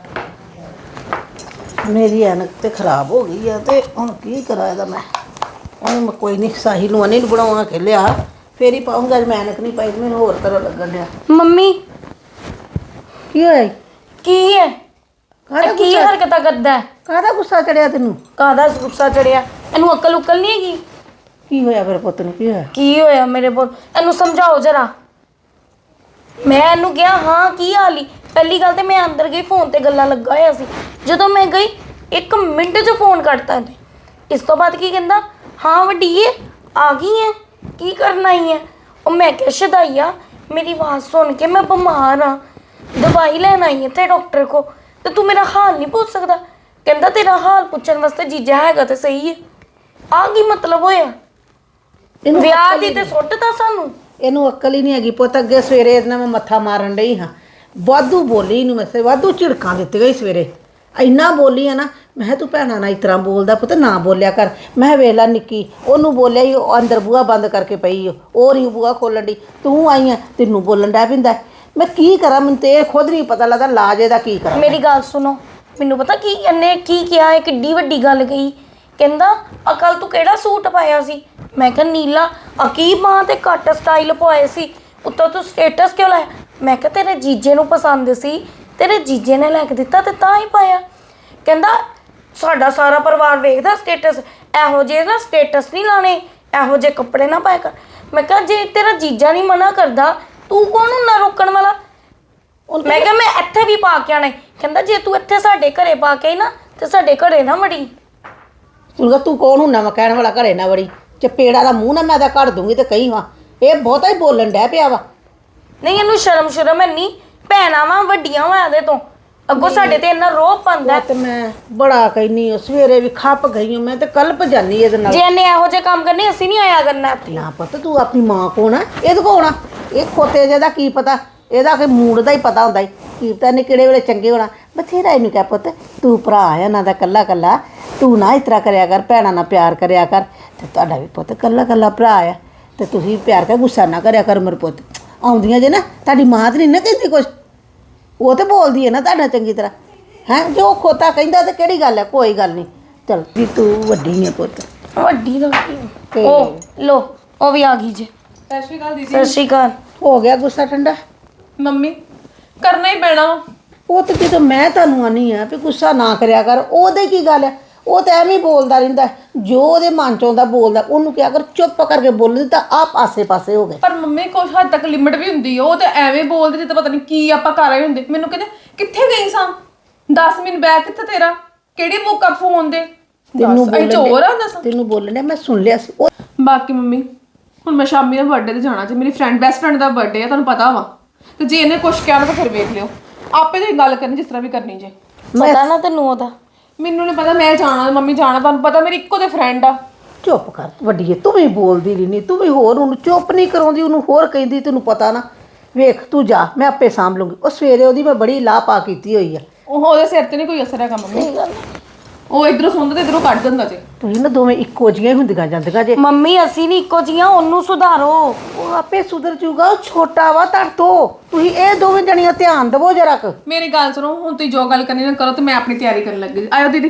[SPEAKER 3] ਮੇਰੀ ਐਨਕ ਤੇ ਖਰਾਬ ਹੋ ਗਈ ਆ ਤੇ ਹੁਣ ਕੀ ਕਰਾਂ ਇਹਦਾ ਮੈਂ? ਉਹਨੂੰ ਮੈਂ ਕੋਈ ਨਹੀਂ, ਸਾਹਿਲ ਨੂੰ ਅਨੇ ਨੂੰ ਬਣਾਉਣਾ ਕੇ ਲਿਆ, ਫੇਰ ਹੀ ਪਾਉਂਗਾ। ਅੱਜ ਮੈਂ ਐਨਕ ਨਹੀਂ ਪਾਈ, ਮੈਨੂੰ ਹੋਰ ਤਰ੍ਹਾਂ ਲੱਗਣ ਡਿਆ।
[SPEAKER 5] ਮੰਮੀ
[SPEAKER 3] ਕੀ ਹੋਇਆ?
[SPEAKER 5] ਕੀ ਹੈ?
[SPEAKER 3] ਕਾਹਦਾ
[SPEAKER 5] ਇਹ ਕੀ
[SPEAKER 3] ਗੁੱਸਾ?
[SPEAKER 5] ਹਰਕਤਾਂ ਕਰਦਾ?
[SPEAKER 3] ਕਾਹਦਾ ਗੁੱਸਾ ਚੜਿਆ ਤੈਨੂੰ?
[SPEAKER 5] ਕਾਹਦਾ ਗੁੱਸਾ ਚੜਿਆ? ਇਹਨੂੰ ਅਕਲ ਉਕਲ ਨਹੀਂ ਹੈਗੀ?
[SPEAKER 3] ਕੀ ਹੋਇਆ ਮੇਰੇ ਪੁੱਤ ਨੂੰ? ਕੀ ਹੋਇਆ?
[SPEAKER 5] ਕੀ ਹੋਇਆ ਮੇਰੇ ਪੁੱਤ? ਇਹਨੂੰ ਸਮਝਾਓ ਜਰਾ। ਮੈਂ ਇਹਨੂੰ ਕਿਹਾ ਹਾਂ ਕੀ ਹਾਲ ਈ? ਪਹਿਲੀ ਗੱਲ ਤੇ ਮੈਂ ਅੰਦਰ ਗਈ, ਫੋਨ ਤੇ ਗੱਲਾਂ ਲੱਗਾ ਹੋਇਆ ਸੀ। ਜਦੋਂ ਮੈਂ ਗਈ ਇੱਕ ਮਿੰਟ 'ਚ ਫੋਨ ਕੱਟਤਾ ਇਹਨੇ। ਇਸ ਤੋਂ ਬਾਅਦ ਕੀ ਕਹਿੰਦਾ? ਹਾਂ ਵੱਡੀਏ ਆ ਗਈ ਹੈ, ਕੀ ਕਰਨਾ ਹੀ ਹੈ? ਉਹ ਮੈਂ ਕਿਹਾ ਸ਼ਦਾਈਆ, ਮੇਰੀ ਆਵਾਜ਼ ਸੁਣ ਕੇ ਮੈਂ ਬਿਮਾਰ ਹਾਂ, ਦਵਾਈ ਲੈਣ ਆਈ ਇੱਥੇ ਡਾਕਟਰ ਕੋ, ਤੇ ਤੂੰ ਮੇਰਾ ਹਾਲ ਨਹੀਂ ਪੁੱਛ ਸਕਦਾ? ਕਹਿੰਦਾ ਤੇਰਾ ਹਾਲ ਪੁੱਛਣ ਵਾਸਤੇ ਜੀਜਾ ਹੈਗਾ ਤੇ ਸਹੀ ਹੈ। ਆ ਕੀ ਮਤਲਬ ਹੋਇਆ? ਵਿਆਹ ਦੀ ਤੇ ਸੁੱਟਦਾ ਸਾਨੂੰ।
[SPEAKER 3] ਇਹਨੂੰ ਅਕਲ ਹੀ ਨਹੀਂ ਹੈਗੀ ਪੁੱਤ। ਅੱਗੇ ਸਵੇਰੇ ਇਹਦੇ ਨਾਲ ਮੈਂ ਮੱਥਾ ਮਾਰਨ ਡਈ ਹਾਂ, ਵਾਧੂ ਬੋਲੀ ਇਹਨੂੰ ਮੈਂ, ਵਾਧੂ ਝਿੜਕਾਂ ਦਿੱਤੀ ਗਈ ਸਵੇਰੇ। ਇੰਨਾ ਬੋਲੀ ਆ ਨਾ, ਮੈਂ ਕਿਹਾ ਤੂੰ ਭੈਣਾਂ ਨਾਲ ਇਸ ਤਰ੍ਹਾਂ ਬੋਲਦਾ ਪੁੱਤ, ਨਾ ਬੋਲਿਆ ਕਰ। ਮੈਂ ਕਿਹਾ ਵੇਖ ਲਾ ਨਿੱਕੀ, ਉਹਨੂੰ ਬੋਲਿਆ ਹੀ, ਉਹ ਅੰਦਰ ਬੂਹਾ ਬੰਦ ਕਰਕੇ ਪਈ, ਉਹ ਨਹੀਂ ਬੂਹਾ ਖੋਲਣ ਦੀ। ਤੂੰ ਆਈ ਆ, ਤੈਨੂੰ ਬੋਲਣ ਡੈ ਪੈਂਦਾ। ਮੈਂ ਕੀ ਕਰਾਂ? ਮੈਨੂੰ ਤੇ ਇਹ ਖੁਦ ਨਹੀਂ ਪਤਾ ਲੱਗਦਾ ਲਾਜ ਇਹਦਾ ਕੀ ਕਰਾਂ।
[SPEAKER 5] ਮੇਰੀ ਗੱਲ ਸੁਣੋ, ਮੈਨੂੰ ਪਤਾ ਕੀ ਇਹਨੇ ਕੀ ਕਿਹਾ ਹੈ, ਕਿੱਡੀ ਵੱਡੀ ਗੱਲ ਕਹੀ। ਕਹਿੰਦਾ ਆ ਕੱਲ ਤੂੰ ਕਿਹੜਾ ਸੂਟ ਪਾਇਆ ਸੀ? ਮੈਂ ਕਿਹਾ ਨੀਲਾ। ਆ ਕੀ ਬਾਂਹ ਤੇ ਕੱਟ ਸਟਾਈਲ ਪਵਾਏ ਸੀ, ਉੱਤੋਂ ਤੂੰ ਸਟੇਟਸ ਕਿਉਂ ਲਾਇਆ? ਮੈਂ ਕਿਹਾ ਤੇਰੇ ਜੀਜੇ ਨੂੰ ਪਸੰਦ ਸੀ, ਤੇਰੇ ਜੀਜੇ ਨੇ ਲੈ ਕੇ ਦਿੱਤਾ ਤੇ ਤਾਂ ਹੀ ਪਾਇਆ। ਕਹਿੰਦਾ ਸਾਡਾ ਸਾਰਾ ਪਰਿਵਾਰ ਵੇਖਦਾ ਸਟੇਟਸ, ਇਹੋ ਜਿਹੇ ਨਾ ਸਟੇਟਸ ਨਹੀਂ ਲਾਣੇ, ਇਹੋ ਜਿਹੇ ਕੱਪੜੇ ਨਾ ਪਾਇਆ ਕਰ। ਮੈਂ ਕਿਹਾ ਜੇ ਤੇਰਾ ਜੀਜਾ ਨਹੀਂ ਮਨਾ ਕਰਦਾ ਤੂੰ ਕੌਣ ਹੁੰਦਾ ਰੋਕਣ ਵਾਲਾ? ਮੈਂ ਕਿਹਾ ਮੈਂ ਇੱਥੇ ਵੀ ਪਾ ਕੇ ਆਣਾ। ਕਹਿੰਦਾ ਜੇ ਤੂੰ ਇੱਥੇ ਸਾਡੇ ਘਰੇ ਪਾ ਕੇ ਆਈ ਨਾ ਤੇ ਸਾਡੇ ਘਰੇ ਨਾ ਵੜੀ।
[SPEAKER 3] ਤੂੰ ਤੂੰ ਕੌਣ ਹੁੰਦਾ ਵਾ ਕਹਿਣ ਵਾਲਾ ਘਰੇ ਨਾ ਵੜੀ? ਚਪੇੜਾ ਦਾ ਮੂੰਹ ਨਾ ਮੈਂ ਤਾਂ ਕੱਢ ਦੂੰਗੀ ਤੇ ਕਹੀ ਵਾ ਇਹ ਬਹੁਤਾ ਹੀ ਬੋਲਣ ਡੈ ਪਿਆ ਵਾ।
[SPEAKER 5] ਨਹੀਂ ਇਹਨੂੰ ਸ਼ਰਮ ਸ਼ਰਮ ਹੈ ਨਹੀਂ, ਭੈਣਾਂ ਵਾ ਵੱਡੀਆਂ ਵਾ ਇਹਦੇ ਤੋਂ, ਅੱਗੋਂ ਸਾਡੇ ਤੇ ਇੰਨਾ ਰੋਹ ਪਾਉਂਦਾ।
[SPEAKER 3] ਤੇ ਮੈਂ ਬੜਾ ਕਹਿਨੀ ਆ, ਸਵੇਰੇ ਵੀ ਖੱਪ ਗਈ ਹਾਂ ਮੈਂ ਤੇ ਕਲਪ ਜਾਨੀ ਇਹਦੇ ਨਾਲ।
[SPEAKER 5] ਜੇ ਇਹਨੇ ਇਹੋ ਜਿਹੇ ਕੰਮ ਕਰਨੇ ਅਸੀਂ ਨਹੀਂ ਆਇਆ ਕਰਨਾ।
[SPEAKER 3] ਨਾ ਪਤਾ ਤੂੰ ਆਪਣੀ ਮਾਂ ਕੋਣ ਆ, ਇਹਦੇ ਕੋਲ ਆ। ਇਹ ਖੋਤੇ ਜਿਹਦਾ ਕੀ ਪਤਾ, ਇਹਦਾ ਕਿ ਮੂਡ ਦਾ ਹੀ ਪਤਾ ਹੁੰਦਾ ਈ ਕੀ ਪਤਾ ਇਹਨੇ ਕਿਹੜੇ ਵੇਲੇ ਚੰਗੇ ਹੋਣਾ। ਬਥੇਰਾ ਇਹਨੂੰ ਕਹਿ ਪੁੱਤ ਤੂੰ ਭਰਾ ਆ ਇਹਨਾਂ ਦਾ ਕੱਲਾ ਕੱਲਾ, ਤੂੰ ਨਾ ਇਸ ਤਰ੍ਹਾਂ ਕਰਿਆ ਕਰ, ਭੈਣਾਂ ਨਾਲ ਪਿਆਰ ਕਰਿਆ ਕਰ। ਤੇ ਤੁਹਾਡਾ ਵੀ ਪੁੱਤ ਕੱਲਾ ਕੱਲਾ ਭਰਾ ਆ ਤੇ ਤੁਸੀਂ ਪਿਆਰ ਕਰ, ਗੁੱਸਾ ਨਾ ਕਰਿਆ ਕਰ ਮੇਰੇ ਪੁੱਤ। ਆਉਂਦੀਆਂ ਜੇ ਨਾ ਤੁਹਾਡੀ ਮਾਂ ਤੇ ਨਹੀਂ ਨਾ ਕਹਿੰਦੀ ਕੁਛ, ਉਹ ਤੇ ਬੋਲਦੀ ਹੈ ਨਾ ਤੁਹਾਡਾ ਚੰਗੀ ਤਰ੍ਹਾਂ ਹੈ। ਜੋ ਖੋਤਾ ਕਹਿੰਦਾ ਤੇ ਕਿਹੜੀ ਗੱਲ ਹੈ, ਕੋਈ ਗੱਲ ਨਹੀਂ। ਚਲ ਵੀ ਤੂੰ ਵੱਡੀ ਹੈ ਪੁੱਤ।
[SPEAKER 5] ਵੱਡੀ ਦਾ
[SPEAKER 3] ਤੇ
[SPEAKER 5] ਉਹ ਲੋ ਉਹ ਵੀ ਆ ਗਈ ਜੇ।
[SPEAKER 2] ਸਤਿ ਸ਼੍ਰੀ ਅਕਾਲ ਦੀਦੀ।
[SPEAKER 5] ਸਤਿ ਸ਼੍ਰੀ ਅਕਾਲ।
[SPEAKER 3] ਹੋ ਗਿਆ ਗੁੱਸਾ ਠੰਡਾ?
[SPEAKER 2] ਮੰਮੀ ਕਰਨਾ ਹੀ ਪੈਣਾ ਵਾ।
[SPEAKER 3] ਉਹ ਤੇ ਜਦੋਂ ਮੈਂ ਤੁਹਾਨੂੰ ਆਨੀ ਆ ਵੀ ਗੁੱਸਾ ਨਾ ਕਰਿਆ ਕਰ, ਉਹਦੇ ਕੀ ਗੱਲ ਹੈ? ਉਹ ਤਾਂ ਐਵੇਂ ਹੀ ਬੋਲਦਾ ਰਹਿੰਦਾ, ਜੋ ਉਹਦੇ ਮਨ ਚ ਆਉਂਦਾ ਬੋਲਦਾ। ਉਹਨੂੰ ਕਿਹਾ ਕਰ ਚੁੱਪ ਕਰਕੇ ਬੋਲਦੀ ਤਾਂ ਆਪ ਆਸੇ ਪਾਸੇ ਹੋ ਗਏ।
[SPEAKER 2] ਪਰ ਮੰਮੀ ਕੁਛ ਹੱਦ ਤੱਕ ਲਿਮਟ ਵੀ ਹੁੰਦੀ ਆ। ਉਹ ਤੇ ਐਵੇਂ ਬੋਲਦੇ ਜਿੱਦਾਂ ਪਤਾ ਨਹੀਂ ਕੀ ਆਪਾਂ ਕਰ ਰਹੇ ਹੁੰਦੇ। ਮੈਨੂੰ ਕਹਿੰਦੇ ਕਿੱਥੇ ਗਈ ਸਾਂ, ਦਸ ਮਿੰਟ ਬੈਗ ਕਿੱਥੇ ਤੇਰਾ, ਕਿਹੜੀ ਮੁੱਕਾ ਫੋਨ ਦੇ?
[SPEAKER 3] ਤੈਨੂੰ
[SPEAKER 2] ਦੱਸ, ਇਹ ਚੋਰ ਆ ਦੱਸ।
[SPEAKER 3] ਤੈਨੂੰ ਬੋਲਣੇ ਮੈਂ ਸੁਣ ਲਿਆ ਸੀ। ਉਹ
[SPEAKER 2] ਬਾਕੀ ਮੰਮੀ ਹੁਣ ਮੈਂ ਸ਼ਾਮੀ ਦਾ ਬਰਥਡੇ ਤੇ ਜਾਣਾ ਜੇ, ਮੇਰੀ ਫਰੈਂਡ ਬੈਸਟ ਫਰੈਂਡ ਦਾ ਬਰਥਡੇ ਆ, ਤੁਹਾਨੂੰ ਪਤਾ ਵਾ। ਤੇ ਜੇ ਇਹਨੇ ਕੁਛ ਕਿਹਾ ਤਾਂ ਫਿਰ ਵੇਖ ਲਿਓ, ਆਪੇ ਤੁਸੀਂ ਗੱਲ ਕਰਨੀ ਜਿਸ ਤਰ੍ਹਾਂ ਵੀ ਕਰਨੀ ਜੇ।
[SPEAKER 5] ਪਤਾ ਨਾ ਤੈਨੂੰ ਉਹਦਾ?
[SPEAKER 2] ਮੈਨੂੰ ਨਹੀਂ ਪਤਾ, ਮੈਂ ਜਾਣਾ, ਮੰਮੀ ਜਾਣਾ, ਤੁਹਾਨੂੰ ਪਤਾ ਮੇਰੀ ਇੱਕੋ ਤੇ ਫਰੈਂਡ ਆ।
[SPEAKER 3] ਚੁੱਪ ਕਰ ਵੱਡੀਏ, ਤੂੰ ਵੀ ਬੋਲਦੀ ਰਹਿਨੀ, ਤੂੰ ਵੀ ਹੋਰ ਉਹਨੂੰ ਚੁੱਪ ਨਹੀਂ ਕਰਾਉਂਦੀ, ਉਹਨੂੰ ਹੋਰ ਕਹਿੰਦੀ। ਤੈਨੂੰ ਪਤਾ ਨਾ, ਵੇਖ ਤੂੰ ਜਾ, ਮੈਂ ਆਪੇ ਸਾਂਭ ਲੂੰਗੀ। ਉਹ ਸਵੇਰੇ ਉਹਦੀ ਮੈਂ ਬੜੀ ਲਾਹ ਪਾ ਕੀਤੀ ਹੋਈ ਆ।
[SPEAKER 2] ਉਹ ਉਹਦੇ ਸਿਰ ਤੇ ਨਹੀਂ ਕੋਈ ਅਸਰ ਹੈਗਾ ਮੰਮੀ, ਉਹ ਇਧਰੋਂ ਸੁਣਦਾ ਤੇ ਇਧਰੋਂ ਕੱਢ ਦਿੰਦਾ ਜੇ।
[SPEAKER 3] ਤੁਸੀਂ ਨਾ ਦੋਵੇਂ ਇੱਕੋ ਜਿਹੀਆਂ ਹੀ ਹੁੰਦੀਆਂ ਜਾਂਦੀਆਂ ਜੇ।
[SPEAKER 5] ਮੰਮੀ ਅਸੀਂ ਨਹੀਂ ਇੱਕੋ ਜੀਆਂ, ਉਹਨੂੰ ਸੁਧਾਰੋ।
[SPEAKER 3] ਉਹ ਆਪੇ ਸੁਧਰ ਜੂਗਾ, ਉਹ ਛੋਟਾ ਵਾ ਤੁਹਾਡੇ ਤੋਂ। ਤੁਸੀਂ ਇਹ ਦੋਵੇਂ ਜਣੀਆਂ ਧਿਆਨ ਦੇਵੋ ਜਰਾ ਕੁ।
[SPEAKER 2] ਮੇਰੀ ਗੱਲ ਸੁਣੋ, ਹੁਣ ਤੁਸੀਂ ਜੋ ਗੱਲ ਕਰਨੀ ਨਾ ਕਰੋ ਤੇ ਮੈਂ ਆਪਣੀ ਤਿਆਰੀ ਕਰਨ ਲੱਗੀ। ਆਇਓ ਦੀਦੀ।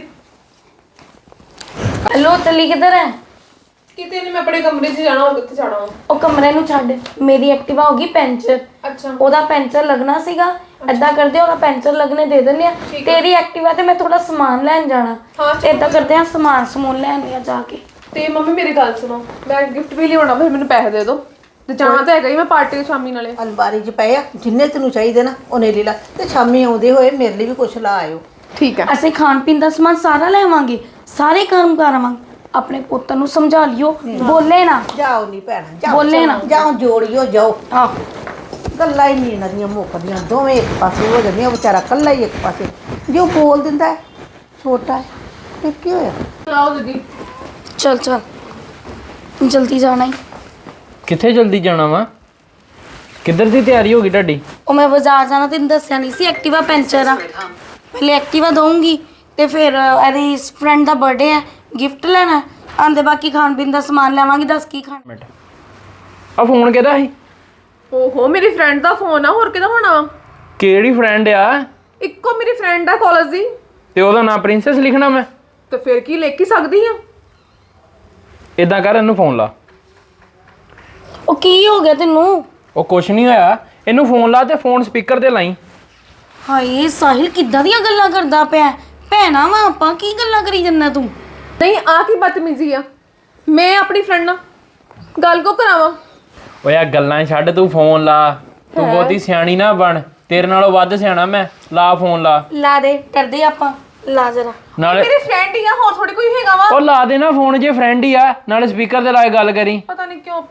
[SPEAKER 5] ਹੈਲੋ ਤਲੀ ਕਿੱਧਰ ਹੈ?
[SPEAKER 2] ਕਿਤੇ ਨਹੀਂ, ਮੈਂ ਆਪਣੇ ਕਮਰੇ 'ਚ ਜਾਣਾ। ਹੋਰ ਕਿੱਥੇ ਜਾਣਾ?
[SPEAKER 5] ਉਹ ਕਮਰੇ ਨੂੰ ਛੱਡ, ਮੇਰੀ ਐਕਟਿਵਾ ਹੋ ਗਈ ਪੈਂਚਰ।
[SPEAKER 2] ਅੱਛਾ।
[SPEAKER 5] ਉਹਦਾ ਪੈਂਚਰ ਲੱਗਣਾ ਸੀਗਾ, ਏਦਾਂ ਕਰਦੇ ਉਹਦਾ ਪੈਂਚਰ ਲੱਗਣੇ ਦੇ ਦਿੰਦੇ ਆ। ਤੇਰੀ ਐਕਟਿਵਾ ਤੇ ਮੈਂ ਥੋੜਾ ਸਮਾਨ ਲੈਣ ਜਾਣਾ, ਏਦਾਂ ਕਰਦੇ ਆ ਸਮਾਨ ਸਮੂਨ ਲੈਣ ਆ ਜਾ ਕੇ।
[SPEAKER 2] ਤੇ ਮੰਮੀ ਮੇਰੀ ਗੱਲ ਸੁਣੋ, ਮੈਂ ਗਿਫਟ ਵੀ ਲਿਆਉਣਾ, ਫਿਰ ਮੈਨੂੰ ਪੈਸੇ ਦੇ ਦਿਓ। ਤੇ ਜਾਣਾ ਤਾਂ ਹੈਗਾ ਹੀ, ਮੈਂ ਪਾਰਟੀ ਤੇ ਸ਼ਾਮੀ ਨਾਲੇ।
[SPEAKER 3] ਅਲਮਾਰੀ 'ਚ ਪਏ ਆ, ਜਿੰਨੇ ਤੈਨੂੰ ਚਾਹੀਦੇ ਨਾ ਉਹਨੇ ਲੈ ਲਾ। ਤੇ ਸ਼ਾਮੀ ਆਉਂਦੇ ਹੋਏ ਮੇਰੇ ਲਈ ਵੀ ਕੁਛ ਲਾ ਆਇਓ।
[SPEAKER 2] ਠੀਕ ਹੈ।
[SPEAKER 5] ਅਸੀਂ ਖਾਣ ਪੀਣ ਦਾ ਸਮਾਨ ਸਾਰਾ ਲੈਵਾਂਗੇ, ਸਾਰੇ ਕੰਮ ਕਰਾਵਾਂਗੇ। ਆਪਣੇ ਪੁੱਤ ਨੂੰ ਸਮਝਾ ਲਿਓ, ਬੋਲੇ ਨਾ।
[SPEAKER 3] ਜਾਓ ਨਹੀਂ ਭੈਣਾ, ਜਾਓ
[SPEAKER 5] ਬੋਲੇ ਨਾ।
[SPEAKER 3] ਜਾਓ, ਜੋੜਿਓ ਜਾਓ।
[SPEAKER 5] ਹਾਂ
[SPEAKER 3] ਗੱਲਾਂ ਹੀ ਨਹੀਂ ਇਹਨਾਂ ਦੀਆਂ ਮੁੱਕਦੀਆਂ, ਦੋਵੇਂ ਇੱਕ ਪਾਸੇ ਹੋ ਜਾਂਦੀਆਂ। ਉਹ ਵਿਚਾਰਾ ਕੱਲਾ ਹੀ ਇੱਕ ਪਾਸੇ, ਜੋ ਬੋਲ ਦਿੰਦਾ ਹੈ ਛੋਟਾ ਹੈ, ਇਹ ਕੀ ਹੋਇਆ?
[SPEAKER 2] ਆਓ ਦੀਦੀ।
[SPEAKER 5] ਚਲ ਚਲ ਜਲਦੀ ਜਾਣਾ ਹੀ।
[SPEAKER 1] ਕਿੱਥੇ ਜਲਦੀ ਜਾਣਾ ਵਾ? ਕਿੱਧਰ ਦੀ ਤਿਆਰੀ ਹੋ ਗਈ ਤੁਹਾਡੀ?
[SPEAKER 5] ਉਹ ਮੈਂ ਬਾਜ਼ਾਰ ਜਾਣਾ, ਤੈਨੂੰ ਦੱਸਿਆ ਨਹੀਂ ਸੀ ਐਕਟਿਵਾ ਪੈਂਚਰ ਆ। ਪਹਿਲੇ ਐਕਟਿਵਾ ਦਊਂਗੀ ਤੇ ਫਿਰ ਇਹਦੀ ਫਰੈਂਡ ਦਾ ਬਰਥਡੇ ਹੈ, ਗਿਫਟ ਲੈਣਾ ਆਂਦੇ, ਬਾਕੀ ਖਾਣ ਪੀਣ ਦਾ ਸਮਾਨ ਲੈਵਾਂਗੀ। ਦੱਸ ਕੀ ਖਾਣ?
[SPEAKER 1] ਮਿੰਟ, ਆ ਫੋਨ ਕਿਹਦਾ ਸੀ?
[SPEAKER 2] ਓਹੋ ਮੇਰੀ ਫਰੈਂਡ ਦਾ ਫੋਨ ਆ, ਹੋਰ ਕਿਹਦਾ ਹੋਣਾ ਵਾ?
[SPEAKER 1] ਕਿਹੜੀ ਫਰੈਂਡ ਆ?
[SPEAKER 2] ਇੱਕੋ ਮੇਰੀ ਫਰੈਂਡ ਆ ਕਾਲਜ ਦੀ।
[SPEAKER 1] ਤੇ ਉਹਦਾ ਨਾਂ ਪ੍ਰਿੰਸੈਸ ਲਿਖਣਾ ਮੈਂ?
[SPEAKER 2] ਤੇ ਫਿਰ ਕੀ ਲਿਖ ਹੀ ਸਕਦੀ ਆ।
[SPEAKER 1] ਇਦਾਂ ਕਰ, ਇਹਨੂੰ ਫੋਨ ਲਾ।
[SPEAKER 5] ਉਹ ਕੀ ਹੋ ਗਿਆ ਤੈਨੂੰ?
[SPEAKER 1] ਉਹ ਕੁਛ ਨਹੀਂ ਹੋਇਆ, ਇਹਨੂੰ ਫੋਨ ਲਾ ਤੇ ਫੋਨ ਸਪੀਕਰ ਤੇ ਲਾਈ।
[SPEAKER 5] ਹਾਏ ਸਾਹਿਲ ਕਿੱਦਾਂ ਦੀਆਂ ਗੱਲਾਂ ਕਰਦਾ ਪਿਆ? ਭੈਣਾ ਵਾ ਆਪਾਂ, ਕੀ ਗੱਲਾਂ ਕਰੀ ਜੰਨਾ ਤੂੰ?
[SPEAKER 2] ਨਹੀਂ ਆ ਕੀ ਬਦਤਮੀਜ਼ੀ ਆ? ਮੈਂ ਆਪਣੀ ਫਰੈਂਡ ਨਾਲ ਗੱਲ ਕੋ ਕਰਾਵਾਂ?
[SPEAKER 1] ਓਏ ਆ ਗੱਲਾਂ ਛੱਡ, ਤੂੰ ਫੋਨ ਲਾ। ਤੂੰ ਬਹੁਤੀ ਸਿਆਣੀ ਨਾ ਬਣ, ਤੇਰੇ ਨਾਲੋਂ ਵੱਧ ਸਿਆਣਾ ਮੈਂ। ਲਾ ਫੋਨ ਲਾ।
[SPEAKER 5] ਲਾ ਦੇ, ਕਰਦੇ ਆਪਾਂ, ਲਾ ਜਰਾ।
[SPEAKER 1] ਨਾਲੇ
[SPEAKER 2] ਮੇਰੀ ਫਰੈਂਡ ਹੀ ਆ, ਹੋਰ ਥੋੜੀ ਕੋਈ ਹੈਗਾ ਵਾ।
[SPEAKER 1] ਉਹ ਲਾ ਦੇ ਨਾ ਫੋਨ, ਜੇ ਫਰੈਂਡ ਹੀ ਆ। ਨਾਲੇ ਸਪੀਕਰ ਤੇ ਲਾ ਕੇ ਗੱਲ ਕਰੀ।
[SPEAKER 2] ਪਤਾ ਨਹੀਂ ਕਿਉਂ।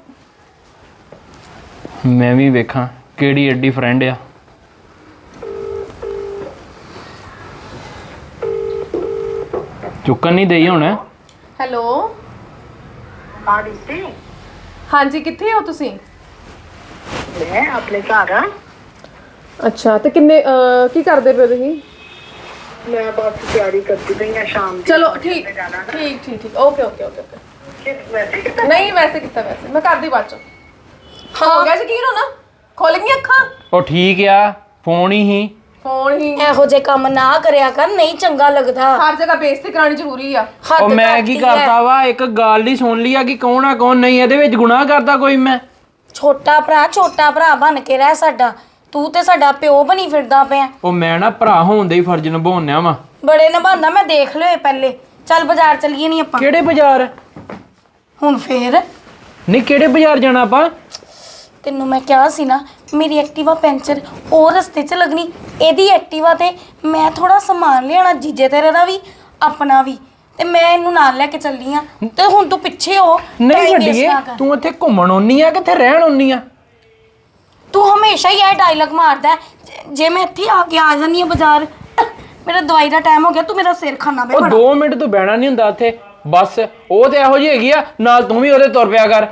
[SPEAKER 1] ਮੈਂ ਵੀ ਵੇਖਾਂ ਕਿਹੜੀ ਐਡੀ ਫਰੈਂਡ ਆ। ਚੁੱਕਣ ਨਹੀਂ ਦੇਈ ਹੁਣ।
[SPEAKER 2] ਹੈਲੋ
[SPEAKER 6] ਹਾਂ ਦੀਦੀ,
[SPEAKER 2] ਹਾਂਜੀ, ਕਿੱਥੇ ਹੋ ਤੁਸੀਂ?
[SPEAKER 6] ਮੈਂ ਆਪਣੇ ਘਰ ਆ।
[SPEAKER 2] ਅੱਛਾ, ਤੇ ਕਿੰਨੇ ਅਹ, ਕੀ ਕਰਦੇ ਪਏ ਤੁਸੀਂ?
[SPEAKER 6] ਮੈਂ ਬਸ ਤਿਆਰੀ ਕਰਦੀ ਪਈ ਆ ਸ਼ਾਮ ਦੀ।
[SPEAKER 2] ਚਲੋ ਠੀਕ ਠੀਕ ਠੀਕ ਠੀਕ ਓਕੇ ਓਕੇ ਓਕੇ ਓਕੇ।
[SPEAKER 6] ਕਿਸ ਵੈਸੇ ਕਿਤਾ
[SPEAKER 2] ਨਹੀਂ ਵੈਸੇ ਕੀਤਾ, ਵੈਸੇ ਮੈਂ ਕਰਦੀ ਬਾਅਦ ਚ। ਹਾਂ ਹੋ ਗਿਆ ਯਕੀਨ ਹੋ ਨਾ? ਖੁੱਲ ਗਈਆਂ ਅੱਖਾਂ?
[SPEAKER 1] ਉਹ ਠੀਕ ਆ, ਫੋਨ ਹੀ ਸੀ।
[SPEAKER 2] ਫੋਨ ਹੀ
[SPEAKER 5] ਇਹੋ ਜੇ ਕੰਮ ਨਾ ਕਰਿਆ ਕਰ, ਨਹੀਂ ਚੰਗਾ ਲੱਗਦਾ।
[SPEAKER 2] ਹਰ ਜਗ੍ਹਾ ਬੇਇੱਜ਼ਤੀ ਕਰਾਉਣੀ ਜ਼ਰੂਰੀ ਆ।
[SPEAKER 5] ਹੱਦ
[SPEAKER 1] ਉਹ ਮੈਂ ਕੀ
[SPEAKER 5] ਕਰਤੀ ਹੈ।
[SPEAKER 1] ਕਰਤਾ ਵਾ ਇੱਕ ਗੱਲ ਹੀ ਸੁਣ ਲਈ ਆ ਕਿ ਕੌਣ ਆ ਕੌਣ ਨਹੀਂ, ਇਹਦੇ ਵਿੱਚ ਗੁਨਾਹ ਕਰਦਾ ਕੋਈ ਮੈਂ?
[SPEAKER 5] ਛੋਟਾ ਭਰਾ ਛੋਟਾ ਭਰਾ ਬਣ ਕੇ ਰਹਿ ਸਾਡਾ, ਤੂੰ ਤੇ ਸਾਡਾ ਪਿਓ ਬਣੀ ਫਿਰਦਾ ਪਿਆ।
[SPEAKER 1] ਉਹ ਮੈਂ ਨਾ ਭਰਾ ਹੋਣ ਦੇ ਹੀ ਫਰਜ਼ ਨਿਭਾਉਣਿਆ ਵਾ।
[SPEAKER 5] ਬੜੇ ਨਿਭਾਉਂਦਾ, ਮੈਂ ਦੇਖ ਲਿਓ ਪਹਿਲੇ। ਚੱਲ ਬਾਜ਼ਾਰ ਚੱਲੀਏ ਨਹੀਂ ਆਪਾਂ
[SPEAKER 1] ਕਿਹੜੇ ਬਾਜ਼ਾਰ?
[SPEAKER 5] ਹੁਣ ਫੇਰ
[SPEAKER 1] ਨਹੀਂ ਕਿਹੜੇ ਬਾਜ਼ਾਰ ਜਾਣਾ ਆਪਾਂ?
[SPEAKER 5] ਤੈਨੂੰ ਮੈਂ ਕਿਹਾ ਸੀ ਨਾ ਮੇਰੀ ਐਕਟਿਵਾ ਪੈਂਚਰ ਉਹ ਰਸਤੇ 'ਚ ਲੱਗਣੀ, ਇਹਦੀ ਐਕਟਿਵਾ ਤੇ ਮੈਂ ਥੋੜਾ ਸਮਾਨ ਲਿਆਣਾ ਜੀਜੇ ਤੇਰੇ ਦਾ ਵੀ ਆਪਣਾ ਵੀ, ਤੇ ਮੈਂ ਇਹਨੂੰ ਨਾਲ ਲੈ ਕੇ ਚੱਲੀ ਆ। ਤੇ ਹੁਣ ਤੂੰ ਪਿੱਛੇ ਹੋ,
[SPEAKER 1] ਨਹੀਂ
[SPEAKER 5] time waste
[SPEAKER 1] ਵੱਡੀਏ,
[SPEAKER 5] ਨਾ ਕਰ।
[SPEAKER 1] ਤੂੰ ਇੱਥੇ ਘੁੰਮਣ ਆਉਣੀ ਆ ਕਿੱਥੇ ਰਹਿਣ ਆਉਣੀ ਆ?
[SPEAKER 5] ਤੂੰ ਹਮੇਸ਼ਾ ਹੀ ਇਹ ਡਾਇਲੌਗ ਮਾਰਦਾ ਹੈ, ਜੇ- ਜੇ ਮੈਂ ਇੱਥੇ ਆ ਕੇ ਆ ਜਾਂਦੀ ਆ ਬਾਜ਼ਾਰ, ਮੇਰਾ ਦਵਾਈ ਦਾ ਟਾਈਮ ਹੋ ਗਿਆ, ਤੂੰ ਮੇਰਾ ਸਿਰ ਖਾਣਾ ਪਏ
[SPEAKER 1] ਉਹ
[SPEAKER 5] ਬੜਾ।
[SPEAKER 1] ਦੋ ਮਿੰਟ ਤੂੰ ਬਹਿਣਾ ਨਹੀਂ ਹੁੰਦਾ ਇੱਥੇ ਬਸ। ਉਹ ਤੇ ਇਹੋ ਜਿਹੀ ਹੈਗੀ ਆ, ਨਾਲ ਤੂੰ ਵੀ ਉਹਦੇ ਤੁਰ ਪਿਆ ਕਰ।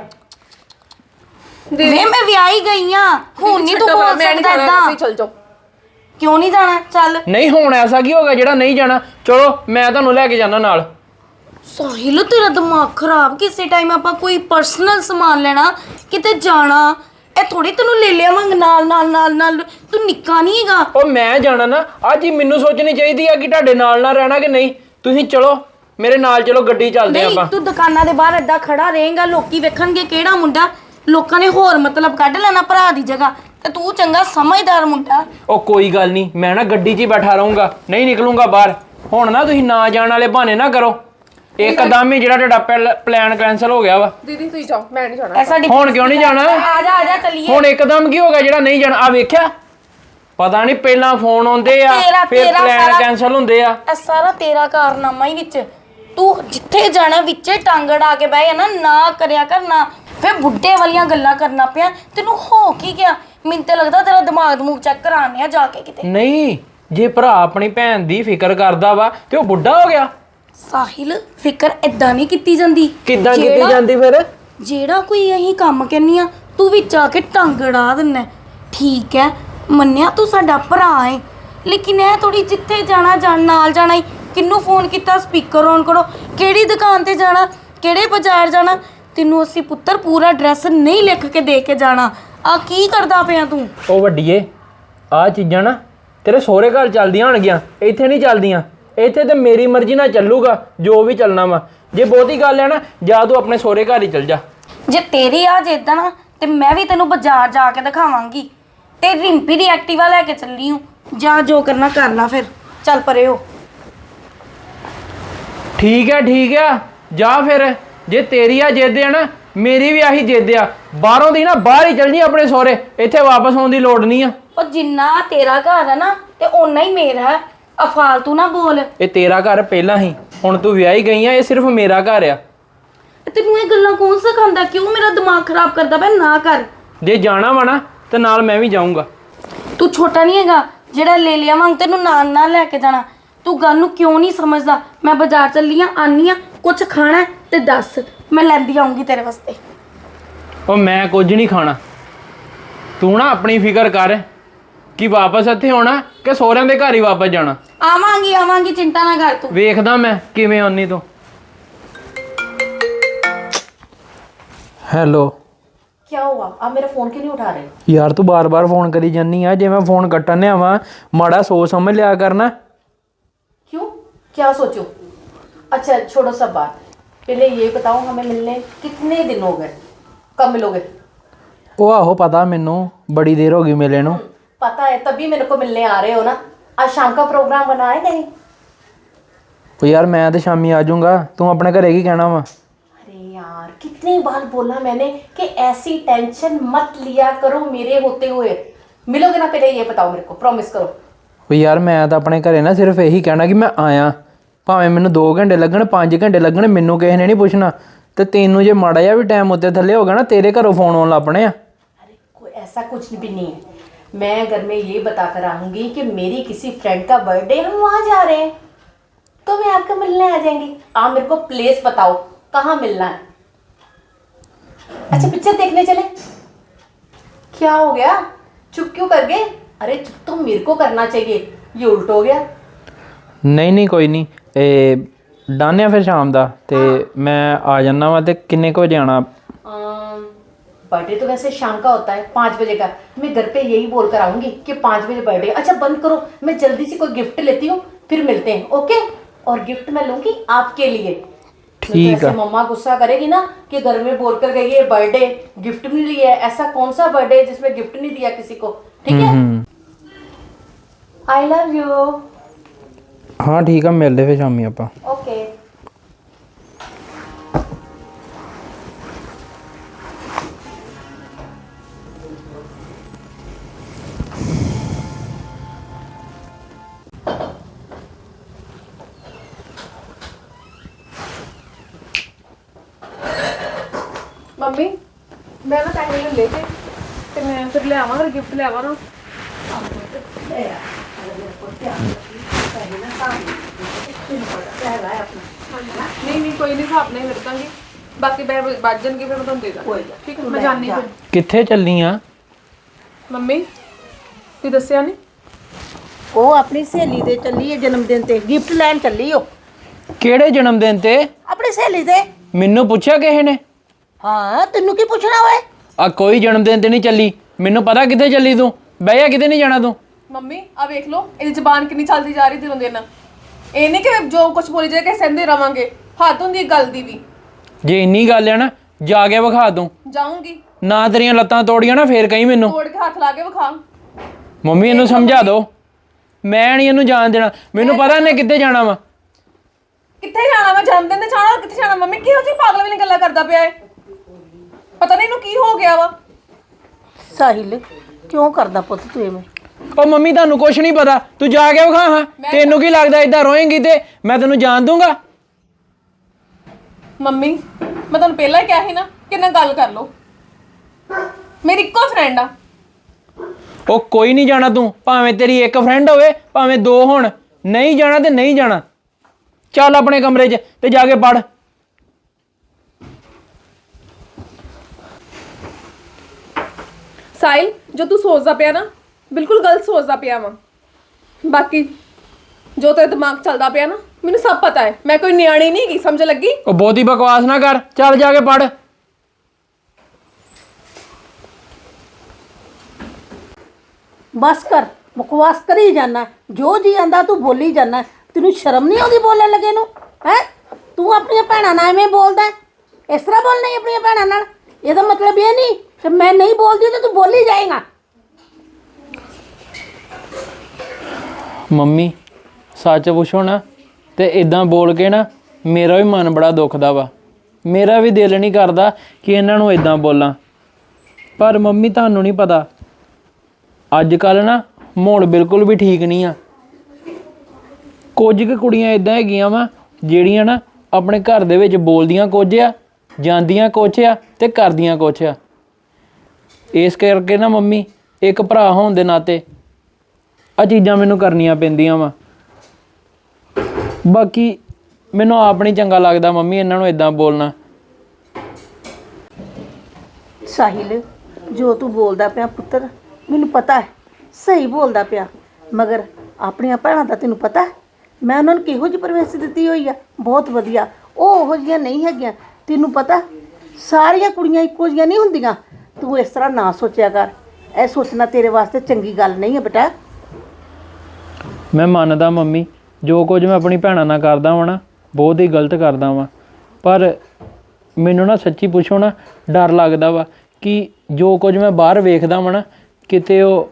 [SPEAKER 5] ਵੇ ਮੈਂ ਵਿਆਹੀ ਗਈ ਆ, ਹੁਣ ਨਹੀਂ ਤੂੰ
[SPEAKER 2] ਛੱਡੋ,
[SPEAKER 5] ਬੋਲ
[SPEAKER 2] ਮੈਂ ਨਹੀਂ
[SPEAKER 5] ਸਕਦਾ
[SPEAKER 2] ਜਾਣਾ,
[SPEAKER 5] ਏਦਾਂ।
[SPEAKER 2] ਤੁਸੀਂ ਚੱਲ ਜਾਓ।
[SPEAKER 5] ਕਿਉਂ ਨਹੀਂ ਜਾਣਾ? ਚੱਲ
[SPEAKER 1] ਨਹੀਂ ਹੁਣ ਐਸਾ ਕੀ ਹੋਗਾ ਜਿਹੜਾ ਨਹੀਂ ਜਾਣਾ? ਚਲੋ ਮੈਂ ਤੁਹਾਨੂੰ ਲੈ ਕੇ ਜਾਣਾ ਨਾਲ।
[SPEAKER 5] ਸਾਹਿਲ ਤੇਰਾ ਦਿਮਾਗ ਖਰਾਬ, ਕਿਸੇ ਟਾਈਮ ਆਪਾਂ ਕੋਈ ਪਰਸਨਲ ਸਮਾਨ ਲੈਣਾ, ਕਿਤੇ ਜਾਣਾ, ਇਹ ਥੋੜੀ ਤੈਨੂੰ ਲੈ ਲਿਆ ਮੰਗ ਨਾਲ ਨਾਲ ਨਾਲ ਨਾਲ, ਤੂੰ ਨਿੱਕਾ ਨਹੀਂ ਹੈਗਾ।
[SPEAKER 1] ਉਹ ਮੈਂ ਜਾਣਾ ਨਾ, ਅੱਜ ਹੀ ਮੈਨੂੰ ਸੋਚਣੀ ਚਾਹੀਦੀ ਆ ਕਿ ਤੁਹਾਡੇ ਨਾਲ ਨਾਲ ਰਹਿਣਾ ਕਿ ਨਹੀਂ। ਤੁਸੀਂ ਚਲੋ ਮੇਰੇ ਨਾਲ, ਚਲੋ ਗੱਡੀ ਚੱਲਦੇ
[SPEAKER 5] ਨਹੀਂ
[SPEAKER 1] ਆਪਾਂ।
[SPEAKER 5] ਤੂੰ ਦੁਕਾਨਾਂ ਦੇ ਬਾਹਰ ਏਦਾਂ ਖੜਾ ਰਹੇਗਾ, ਲੋਕੀ ਵੇਖਣਗੇ ਕਿਹੜਾ ਮੁੰਡਾ, ਲੋਕਾਂ ਨੇ ਹੋਰ ਮਤਲਬ ਕੱਢ ਲੈਣਾ ਭਰਾ ਦੀ ਜਗ੍ਹਾ, ਤੇ ਤੂੰ ਚੰਗਾ ਸਮਝਦਾਰ ਮੁੰਡਾ।
[SPEAKER 1] ਉਹ ਕੋਈ ਗੱਲ ਨਹੀਂ, ਮੈਂ ਨਾ ਗੱਡੀ 'ਚ ਹੀ ਬੈਠਾ ਰਹੂੰਗਾ, ਨਹੀਂ ਨਿਕਲੂੰਗਾ ਬਾਹਰ। ਹੁਣ ਨਾ ਤੁਸੀਂ ਨਾ ਜਾਣ ਵਾਲੇ ਬਹਾਨੇ ਨਾ ਕਰੋ, ਇੱਕਦਮ ਹੀ ਜਿਹੜਾ ਤੁਹਾਡਾ ਪਲਾਨ ਕੈਨਸਲ ਹੋ ਗਿਆ ਵਾ।
[SPEAKER 2] ਦੀਦੀ ਤੁਸੀਂ ਜਾਓ, ਮੈਂ ਨਹੀਂ ਜਾਣਾ।
[SPEAKER 5] ਐ ਸਾਡੀ
[SPEAKER 1] ਹੁਣ ਕਿਉਂ ਨਹੀਂ ਜਾਣਾ?
[SPEAKER 5] ਆ ਜਾ ਆ ਜਾ ਚੱਲੀਏ।
[SPEAKER 1] ਹੁਣ ਇੱਕਦਮ ਕੀ ਹੋ ਗਿਆ ਜਿਹੜਾ ਨਹੀਂ ਜਾਣਾ? ਆ ਵੇਖਿਆ, ਪਤਾ ਨਹੀਂ ਪਹਿਲਾਂ ਫੋਨ ਆਉਂਦੇ ਆ
[SPEAKER 5] ਤੇਰਾ-
[SPEAKER 1] ਫਿਰ
[SPEAKER 5] ਤੇਰਾ
[SPEAKER 1] ਪਲਾਨ
[SPEAKER 5] ਸਾਰਾ-
[SPEAKER 1] ਕੈਨਸਲ ਹੁੰਦੇ ਆ।
[SPEAKER 5] ਇਹ ਸਾਰਾ ਤੇਰਾ ਕਾਰਨਾਮਾ ਹੀ ਵਿੱਚ, ਤੂੰ ਜਿੱਥੇ ਜਾਣਾ ਵਿੱਚੇ ਟੰਗ ਅੜਾ ਕੇ ਬਹਿ ਜਾਣਾ, ਨਾ ਕਰਿਆ ਕਰ ਨਾ। ਫੇ ਬੁੱਢੇ ਵਾਲੀਆਂ ਗੱਲਾਂ ਕਰਨਾ ਪਿਆ, ਤੈਨੂੰ ਹੋ ਕੀ ਗਿਆ? ਮੈਨੂੰ ਤੇ ਲੱਗਦਾ ਤੇਰਾ ਦਿਮਾਗ ਦਮੂਗ ਚੈੱਕ ਕਰਾਣੇ ਆ ਜਾ ਕੇ ਕਿਤੇ।
[SPEAKER 1] ਨਹੀਂ, ਜੇ ਭਰਾ ਆਪਣੀ ਭੈਣ ਦੀ ਫਿਕਰ ਕਰਦਾ ਵਾ ਤੇ ਉਹ ਬੁੱਢਾ ਹੋ ਗਿਆ।
[SPEAKER 5] ਸਾਹਿਲ ਫਿਕਰ ਏਦਾਂ ਨਹੀਂ ਕੀਤੀ ਜਾਂਦੀ।
[SPEAKER 1] ਕਿੱਦਾਂ ਕੀਤੀ
[SPEAKER 5] ਜਿਹੜਾ-
[SPEAKER 1] ਜਾਂਦੀ ਫਿਰ?
[SPEAKER 5] ਜਿਹੜਾ ਕੋਈ ਅਸੀਂ ਕੰਮ ਕਹਿੰਨੀ ਆ, ਤੂੰ ਵਿੱਚ ਆ ਕੇ ਟੰਗ ਅੜਾ ਦਿੰਨਾ। ਠੀਕ ਹੈ, ਮੰਨਿਆ ਤੂੰ ਸਾਡਾ ਭਰਾ ਹੈ, ਲੇਕਿਨ ਇਹ ਥੋੜੀ ਜਿੱਥੇ ਜਾਣਾ ਜਾਣ ਨਾਲ ਜਾਣਾ ਹੀ। ਕਿਹਨੂੰ ਫੋਨ ਕੀਤਾ, ਸਪੀਕਰ ਔਨ ਕਰੋ, ਕਿਹੜੀ ਦੁਕਾਨ ਤੇ ਜਾਣਾ, ਕਿਹੜੇ ਬਾਜ਼ਾਰ ਜਾਣਾ, ਤੈਨੂੰ ਅਸੀਂ ਪੁੱਤਰ ਪੂਰਾ ਐਡਰੈਸ ਨਹੀਂ ਲਿਖ ਕੇ ਦੇ ਕੇ ਜਾਣਾ। ਆ ਕੀ ਕਰਦਾ ਪਿਆ ਤੂੰ?
[SPEAKER 1] ਉਹ ਵੱਡੀਏ, ਆ ਚੀਜ਼ਾਂ ਨਾ ਤੇਰੇ ਸਹੁਰੇ ਘਰ ਚੱਲਦੀਆਂ ਹੋਣਗੀਆਂ, ਇੱਥੇ ਨਹੀਂ ਚੱਲਦੀਆਂ। ਇੱਥੇ ਤੇ ਮੇਰੀ ਮਰਜ਼ੀ ਨਾਲ ਚੱਲੂਗਾ ਜੋ ਵੀ ਚੱਲਣਾ ਵਾ। ਜੇ ਬਹੁਤੀ ਗੱਲ ਹੈ ਨਾ, ਜਾਂ ਤੂੰ ਆਪਣੇ ਸਹੁਰੇ ਘਰ ਹੀ ਚੱਲ ਜਾ।
[SPEAKER 5] ਜੇ ਤੇਰੀ ਆ ਜਿੱਦਾਂ ਨਾ, ਤੇ ਮੈਂ ਵੀ ਤੈਨੂੰ ਬਾਜ਼ਾਰ ਜਾ ਕੇ ਦਿਖਾਵਾਂਗੀ, ਤੇ ਰਿੰਪੀ ਦੀ ਐਕਟਿਵਾ ਲੈ ਕੇ ਚੱਲੀ ਹੂੰ। ਜਾ ਜੋ ਕਰਨਾ ਕਰ ਲਾ, ਫਿਰ ਚੱਲ ਪਰੇ ਹੋ।
[SPEAKER 1] ਠੀਕ ਹੈ ਠੀਕ ਹੈ, ਜਾ ਫਿਰ। ਜੇ ਤੇਰੀ ਆ ਜਿੱਦ ਆ ਨਾ, ਮੇਰੀ ਵੀ ਆਹੀ ਜਿੱਦ ਆ। ਬਾਹਰੋਂ ਦੀ ਨਾ ਬਾਹਰ ਹੀ ਚੱਲ ਜੀ ਆਪਣੇ ਸਹੁਰੇ, ਇੱਥੇ ਵਾਪਸ ਆਉਣ ਦੀ ਲੋੜ ਨਹੀਂ ਆ।
[SPEAKER 5] ਉਹ ਜਿੰਨਾ ਤੇਰਾ ਘਰ ਹੈ ਨਾ, ਤੇ ਓਨਾ ਹੀ ਮੇਰਾ ਹੈ। ਆ ਫਾਲਤੂ ਨਾ ਬੋਲ।
[SPEAKER 1] ਇਹ ਤੇਰਾ ਘਰ ਪਹਿਲਾਂ ਹੀ, ਹੁਣ ਤੂੰ ਵਿਆਹੀ ਗਈ ਆ, ਇਹ ਸਿਰਫ ਮੇਰਾ ਘਰ ਆ।
[SPEAKER 5] ਤੈਨੂੰ ਇਹ ਗੱਲਾਂ ਕੌਣ ਸਿਖਾਉਂਦਾ? ਕਿਉਂ ਮੇਰਾ ਦਿਮਾਗ ਖਰਾਬ ਕਰਦਾ ਪਿਆ? ਨਾ ਕਰ।
[SPEAKER 1] ਜੇ ਜਾਣਾ ਵਾ ਨਾ ਤੇ ਨਾਲ ਮੈਂ ਵੀ ਜਾਊਂਗਾ।
[SPEAKER 5] ਤੂੰ ਛੋਟਾ ਨਹੀਂ ਹੈਗਾ ਜਿਹੜਾ ਲੈ ਲਿਆ ਵਾਂਗ ਤੈਨੂੰ ਨਾਲ ਨਾਲ ਲੈ ਕੇ ਜਾਣਾ। ਤੂੰ ਗੱਲ ਨੂੰ ਕਿਉਂ ਨਹੀਂ ਸਮਝਦਾ? ਮੈਂ ਬਾਜ਼ਾਰ ਚੱਲੀ ਆ, ਆਨੀ ਆ, ਕੁਝ ਖਾਣਾ ਹੈ ਤੇ ਦੱਸ, ਮੈਂ ਲੈਂਦੀ ਆਉਂਗੀ ਤੇਰੇ ਵਾਸਤੇ।
[SPEAKER 1] ਉਹ ਮੈਂ ਕੁਝ ਨਹੀਂ ਖਾਣਾ। ਤੂੰ ਨਾ ਆਪਣੀ ਫਿਕਰ ਕਰ ਕਿ ਵਾਪਸ ਇੱਥੇ ਆਉਣਾ ਕਿ ਸਹੁਰਿਆਂ ਦੇ ਘਰ ਹੀ ਵਾਪਸ ਜਾਣਾ।
[SPEAKER 5] ਆਵਾਂਗੀ ਆਵਾਂਗੀ, ਚਿੰਤਾ ਨਾ ਕਰ ਤੂੰ।
[SPEAKER 1] ਵੇਖਦਾ ਮੈਂ ਕਿਵੇਂ ਆਉਣੀ ਤੂੰ। ਹੈਲੋ
[SPEAKER 4] क्या हुआ? आप मेरा फोन क्यों नहीं उठा रहे?
[SPEAKER 1] ਯਾਰ, ਤੂੰ ਬਾਰ-ਬਾਰ ਫੋਨ ਕਰੀ ਜਾਨੀ ਆ। ਜੇ ਮੈਂ ਫੋਨ ਕੱਟਣ ਆਵਾਂ, ਮਾੜਾ ਸੋਚ ਸਮਝ ਲਿਆ ਕਰਨਾ।
[SPEAKER 4] क्यों? क्या सोचो? अच्छा छोड़ो सब बात, पहले ये बताओ हमें मिलने कितने दिन हो गए? कब मिलोगे?
[SPEAKER 1] ਉਹ ਆਹੋ ਪਤਾ ਮੈਨੂੰ, ਬੜੀ ਦੇਰ ਹੋ ਗਈ ਮਿਲੇ ਨੂੰ।
[SPEAKER 4] पता है, तभी मेरे को मिलने आ रहे हो ना। आज शाम का प्रोग्राम बना है कहीं?
[SPEAKER 1] ਉਹ ਯਾਰ ਮੈਂ ਤੇ ਸ਼ਾਮੀ ਆ ਜਾਊਂਗਾ, ਤੂੰ ਆਪਣੇ ਘਰੇ ਕੀ ਕਹਿਣਾ ਵਾ?
[SPEAKER 4] अरे यार, कितनी बार बोला मैंने कि ऐसी टेंशन मत लिया करो मेरे होते हुए। मिलोगे ना? पहले ये बताओ मेरे को, प्रॉमिस करो।
[SPEAKER 1] ਉਹ ਯਾਰ ਮੈਂ ਤਾਂ ਆਪਣੇ ਘਰੇ ਨਾ ਸਿਰਫ ਇਹੀ ਕਹਿਣਾ ਕਿ ਮੈਂ ਆਇਆ, ਭਾਵੇਂ ਮੈਨੂੰ ਦੋ ਘੰਟੇ ਲੱਗਣ, ਪੰਜ ਘੰਟੇ ਲੱਗਣ, ਮੈਨੂੰ ਕਿਸੇ ਨੇ ਨਹੀਂ ਪੁੱਛਣਾ। ਤੇ ਤੈਨੂੰ ਜੇ ਮਾੜਾ ਜਿਹਾ ਵੀ ਟਾਈਮ ਉੱਤੇ ਥੱਲੇ ਹੋ ਗਿਆ ਨਾ, ਤੇਰੇ ਘਰੋਂ ਫੋਨ ਆਉਣ ਲੱਗ ਪਣੇ ਆ।
[SPEAKER 4] अरे कोई ऐसा कुछ भी नहीं है। मैं घर में ये बताकर आऊंगी कि मेरी किसी फ्रेंड का बर्थडे, हम वहाँ जा रहे हैं, तो मैं आपको मिलने आ जाएंगी। आप मेरे को प्लेस बताओ कहाँ मिलना है। अच्छा पिक्चर देखने चले? क्या हो गया, चुप क्यों कर गए? अरे चुप तो मेरे को करना चाहिए, ये उल्ट हो गया।
[SPEAKER 1] ਨਹੀਂ ਨਹੀਂ ਕੋਈ ਨਹੀਂ, ਇਹ ਡਾਨਿਆ ਫਿਰ ਸ਼ਾਮ ਦਾ। ਤੇ ਮੈਂ ਆ ਜਾਣਾ ਵਾ। ਤੇ ਕਿੰਨੇ ਕੁ ਵਜੇ ਆਣਾ?
[SPEAKER 4] अम, बर्थडे तो वैसे शाम का होता है, पाँच बजे का। मैं घर पे यही बोल कर आऊंगी कि पाँच बजे बर्थडे। अच्छा बंद करो, मैं जल्दी से कोई गिफ्ट लेती हूँ, फिर मिलते हैं, ओके? और गिफ्ट मैं लूंगी आपके लिए।
[SPEAKER 1] ठीक
[SPEAKER 4] तो
[SPEAKER 1] है।
[SPEAKER 4] मम्मा गुस्सा करेगी ना कि घर में बोल कर गई है बर्थडे, गिफ्ट नहीं लिया है। ऐसा कौन सा बर्थडे है जिसमें गिफ्ट नहीं दिया किसी को? ठीक है, आई लव यू।
[SPEAKER 1] हाँ ठीक है, मिलते फिर शामी ਆਪਾਂ।
[SPEAKER 4] ओके।
[SPEAKER 2] ਮੰਮੀ ਮੈਂ ਨਾ ਪੈਸੇ ਲੈ ਕੇ ਤੇ ਮੈਂ ਫਿਰ ਲੈ ਆਵਾਂ ਗਿਫਟ ਲੈ ਆਵਾਂ ਨਾ। ਨਹੀਂ ਨਹੀਂ ਕੋਈ ਨਹੀਂ, ਹਿਸਾਬ ਨਹੀਂ ਵਰਤਾਂਗੀ, ਬਾਕੀ ਮੈਂ ਵੱਜ ਜਾਣਗੇ ਫਿਰ ਮੈਂ ਤੁਹਾਨੂੰ ਦੇ ਦਾਂ। ਠੀਕ ਹੈ, ਮੈਂ ਜਾਣੀ ਫਿਰ।
[SPEAKER 1] ਕਿੱਥੇ ਚੱਲਨੀ ਆ?
[SPEAKER 2] ਮੰਮੀ ਤੁਸੀਂ ਦੱਸਿਆ ਨਹੀਂ?
[SPEAKER 3] ਉਹ ਆਪਣੀ ਸਹੇਲੀ ਦੇ ਚੱਲੀ ਹੈ ਜਨਮ ਦਿਨ ਤੇ, ਗਿਫਟ ਲੈਣ ਚੱਲੀ ਉਹ
[SPEAKER 1] ਕਿਹੜੇ ਜਨਮ ਦਿਨ ਤੇ?
[SPEAKER 3] ਆਪਣੀ ਸਹੇਲੀ ਦੇ।
[SPEAKER 1] ਮੈਨੂੰ ਪੁੱਛਿਆ ਕਿਸੇ ਨੇ?
[SPEAKER 3] ਹਾਂ ਤੈਨੂੰ ਕੀ ਪੁੱਛਣਾ ਓਏ?
[SPEAKER 1] ਆ ਕੋਈ ਜਨਮ ਦਿਨ ਤੇ ਨਹੀਂ ਚੱਲੀ, ਮੈਨੂੰ ਪਤਾ ਕਿੱਥੇ ਚੱਲੀ ਤੂੰ। ਬਹਿ ਜਾ, ਕਿਤੇ ਨਹੀਂ ਜਾਣਾ ਤੂੰ।
[SPEAKER 2] ਮੰਮੀ ਆ ਵੇਖ ਲਓ ਇਹਦੀ ਜ਼ਬਾਨ ਕਿੰਨੀ ਚੱਲਦੀ ਜਾ ਰਹੀ ਦਿਨੋਂ ਦਿਨ। ਇਹ ਨਹੀਂ ਕਿ ਜੋ ਕੁਝ ਬੋਲੀ ਜਾਏ ਕਿ ਸਹਿੰਦੇ ਰਵਾਂਗੇ, ਹੱਦ ਹੁੰਦੀ ਗੱਲ ਦੀ ਵੀ।
[SPEAKER 1] ਜੇ ਇੰਨੀ ਗੱਲ ਆ ਨਾ, ਜਾ ਕੇ ਵਿਖਾ ਤੂੰ।
[SPEAKER 2] ਜਾਊਂਗੀ,
[SPEAKER 1] ਨਾ ਤੇਰੀਆਂ ਲੱਤਾਂ ਤੋੜੀਆਂ ਨਾ ਫੇਰ ਕਹੀਂ ਮੈਨੂੰ।
[SPEAKER 2] ਤੋੜ ਕੇ ਹੱਥ ਲਾ ਕੇ ਵਿਖਾ।
[SPEAKER 1] ਮੰਮੀ ਇਹਨੂੰ ਸਮਝਾ ਦਿਓ, ਮੈਂ ਨਹੀਂ ਇਹਨੂੰ ਜਾਣ ਦੇਣਾ। ਮੈਨੂੰ ਪਤਾ ਇਹਨੇ ਕਿੱਥੇ ਜਾਣਾ ਵਾ।
[SPEAKER 2] ਕਿੱਥੇ ਜਾਣਾ? ਮੈਂ ਜਨਮ ਦਿਨ ਤੇ ਜਾਣਾ, ਕਿੱਥੇ ਜਾਣਾ? ਮੰਮੀ ਕਿਹੋ ਜਿਹੀ ਪਾਗਲ ਵਾਲੀ ਗੱਲਾਂ ਕਰਦਾ ਪਿਆ ਏ? ਪਤਾ ਨਹੀਂ ਇਹਨੂੰ ਕੀ ਹੋ ਗਿਆ ਵਾ।
[SPEAKER 3] ਸਾਹਿਲ ਕਿਉਂ ਕਰਦਾ ਪੁੱਤ ਤੂੰ ਐਵੇਂ?
[SPEAKER 1] ਉਹ ਮੰਮੀ ਤੁਹਾਨੂੰ ਕੁਛ ਨਹੀਂ ਪਤਾ, ਤੂੰ ਜਾ ਕੇ ਵਿਖਾ। ਹਾਂ ਤੈਨੂੰ ਕੀ ਲੱਗਦਾ ਏਦਾਂ ਰੋਏਂਗੀ ਤੇ ਮੈਂ ਤੈਨੂੰ ਜਾਣ ਦੂੰਗਾ?
[SPEAKER 2] ਮੰਮੀ ਮੈਂ ਤੁਹਾਨੂੰ ਪਹਿਲਾਂ ਹੀ ਕਿਹਾ ਸੀ ਨਾ ਕਿ ਨਾ ਗੱਲ ਕਰ ਲਓ, ਮੇਰੀ ਇੱਕੋ ਫਰੈਂਡ ਆ।
[SPEAKER 1] ਉਹ ਕੋਈ ਨਹੀਂ ਜਾਣਾ ਤੂੰ, ਭਾਵੇਂ ਤੇਰੀ ਇੱਕ ਫਰੈਂਡ ਹੋਵੇ ਭਾਵੇਂ ਦੋ ਹੋਣ। ਨਹੀਂ ਜਾਣਾ ਤੇ ਨਹੀਂ ਜਾਣਾ। ਚੱਲ ਆਪਣੇ ਕਮਰੇ 'ਚ ਤੇ ਜਾ ਕੇ ਪੜ।
[SPEAKER 2] ਸਾਹਿਲ ਜੋ ਤੂੰ ਸੋਚਦਾ ਪਿਆ ਨਾ ਬਿਲਕੁਲ ਗਲਤ ਸੋਚਦਾ ਪਿਆ ਵਾ। ਬਾਕੀ ਜੋ ਤੇਰੇ ਦਿਮਾਗ 'ਚ ਚੱਲਦਾ ਪਿਆ ਨਾ ਮੈਨੂੰ ਸਭ ਪਤਾ ਹੈ। ਮੈਂ ਕੋਈ ਨਿਆਣੀ ਨਹੀਂ ਹੈਗੀ, ਸਮਝ ਲੱਗੀ?
[SPEAKER 1] ਉਹ ਬਹੁਤੀ ਬਕਵਾਸ ਨਾ ਕਰ, ਚੱਲ ਜਾ ਕੇ ਪੜ।
[SPEAKER 3] ਬਸ ਕਰ, ਬਕਵਾਸ ਕਰੀ ਜਾਣਾ, ਜੋ ਜੀ ਆਂਦਾ ਤੂੰ ਬੋਲੀ ਜਾਣਾ। ਤੈਨੂੰ ਸ਼ਰਮ ਨਹੀਂ ਆਉਂਦੀ ਬੋਲਣ ਲੱਗੇ ਨੂੰ? ਹੈ ਤੂੰ ਆਪਣੀਆਂ ਭੈਣਾਂ ਨਾਲ ਐਵੇਂ ਬੋਲਦਾ? ਇਸ ਤਰ੍ਹਾਂ ਬੋਲਣਾ ਹੀ ਆਪਣੀਆਂ ਭੈਣਾਂ ਨਾਲ? ਇਹਦਾ ਮਤਲਬ ਇਹ ਨਹੀਂ ਕਿ ਮੈਂ ਨਹੀਂ ਬੋਲਦੀ ਤੇ ਤੂੰ ਬੋਲੀ ਜਾਏਗਾ।
[SPEAKER 1] ਮੰਮੀ ਸੱਚ ਪੁੱਛੋ ਨਾ ਤੇ ਇਦਾਂ ਬੋਲ ਕੇ ਨਾ ਮੇਰਾ ਵੀ ਮਨ ਬੜਾ ਦੁਖਦਾ ਵਾ। ਮੇਰਾ ਵੀ ਦਿਲ ਨਹੀਂ ਕਰਦਾ ਕਿ ਇਹਨਾਂ ਨੂੰ ਇਦਾਂ ਬੋਲਾਂ, ਪਰ ਮੰਮੀ ਤੁਹਾਨੂੰ ਨਹੀਂ ਪਤਾ ਅੱਜ ਕੱਲ੍ਹ ਨਾ ਮਾਹੌਲ ਬਿਲਕੁਲ ਵੀ ਠੀਕ ਨਹੀਂ ਆ। ਕੁਝ ਕੁ ਕੁੜੀਆਂ ਇਦਾਂ ਹੈਗੀਆਂ ਵਾ ਜਿਹੜੀਆਂ ਨਾ ਆਪਣੇ ਘਰ ਦੇ ਵਿੱਚ ਬੋਲਦੀਆਂ ਕੁਝ ਆ, ਜਾਂਦੀਆਂ ਕੁਛ ਆ ਤੇ ਕਰਦੀਆਂ ਕੁਛ ਆ। ਇਸ ਕਰਕੇ ਨਾ ਮੰਮੀ ਇੱਕ ਭਰਾ ਹੋਣ ਦੇ ਨਾਤੇ ਆ ਚੀਜ਼ਾਂ ਮੈਨੂੰ ਕਰਨੀਆਂ ਪੈਂਦੀਆਂ ਵਾ। ਬਾਕੀ ਮੈਨੂੰ ਆਪ ਨਹੀਂ ਚੰਗਾ ਲੱਗਦਾ ਮੰਮੀ ਇਹਨਾਂ ਨੂੰ ਇਦਾਂ ਬੋਲਣਾ।
[SPEAKER 3] ਸਾਹਿਲ ਜੋ ਤੂੰ ਬੋਲਦਾ ਪਿਆ ਪੁੱਤਰ ਮੈਨੂੰ ਪਤਾ ਹੈ, ਸਹੀ ਬੋਲਦਾ ਪਿਆ, ਮਗਰ ਆਪਣੀਆਂ ਭੈਣਾਂ ਦਾ ਤੈਨੂੰ ਪਤਾ ਮੈਂ ਉਹਨਾਂ ਨੂੰ ਕਿਹੋ ਜਿਹੀ ਪਰਵਰਿਸ਼ ਦਿੱਤੀ ਹੋਈ ਆ। ਬਹੁਤ ਵਧੀਆ, ਉਹ ਉਹੋ ਜਿਹੀਆਂ ਨਹੀਂ ਹੈਗੀਆਂ। ਤੈਨੂੰ ਪਤਾ ਸਾਰੀਆਂ ਕੁੜੀਆਂ ਇੱਕੋ ਜਿਹੀਆਂ ਨਹੀਂ ਹੁੰਦੀਆਂ। ਤੂੰ ਇਸ ਤਰ੍ਹਾਂ ਨਾ ਸੋਚਿਆ ਕਰ, ਇਹ ਸੋਚਣਾ ਤੇਰੇ ਵਾਸਤੇ ਚੰਗੀ ਗੱਲ ਨਹੀਂ ਹੈ ਬੇਟਾ।
[SPEAKER 1] ਮੈਂ ਮੰਨਦਾ ਮੰਮੀ, ਜੋ ਕੁਝ ਮੈਂ ਆਪਣੀ ਭੈਣਾਂ ਨਾਲ ਕਰਦਾ ਵਾਂ ਨਾ ਬਹੁਤ ਹੀ ਗਲਤ ਕਰਦਾ ਵਾਂ, ਪਰ ਮੈਨੂੰ ਨਾ ਸੱਚੀ ਪੁੱਛੋ ਨਾ ਡਰ ਲੱਗਦਾ ਵਾ ਕਿ ਜੋ ਕੁਝ ਮੈਂ ਬਾਹਰ ਵੇਖਦਾ ਵਾਂ ਨਾ ਕਿਤੇ ਉਹ।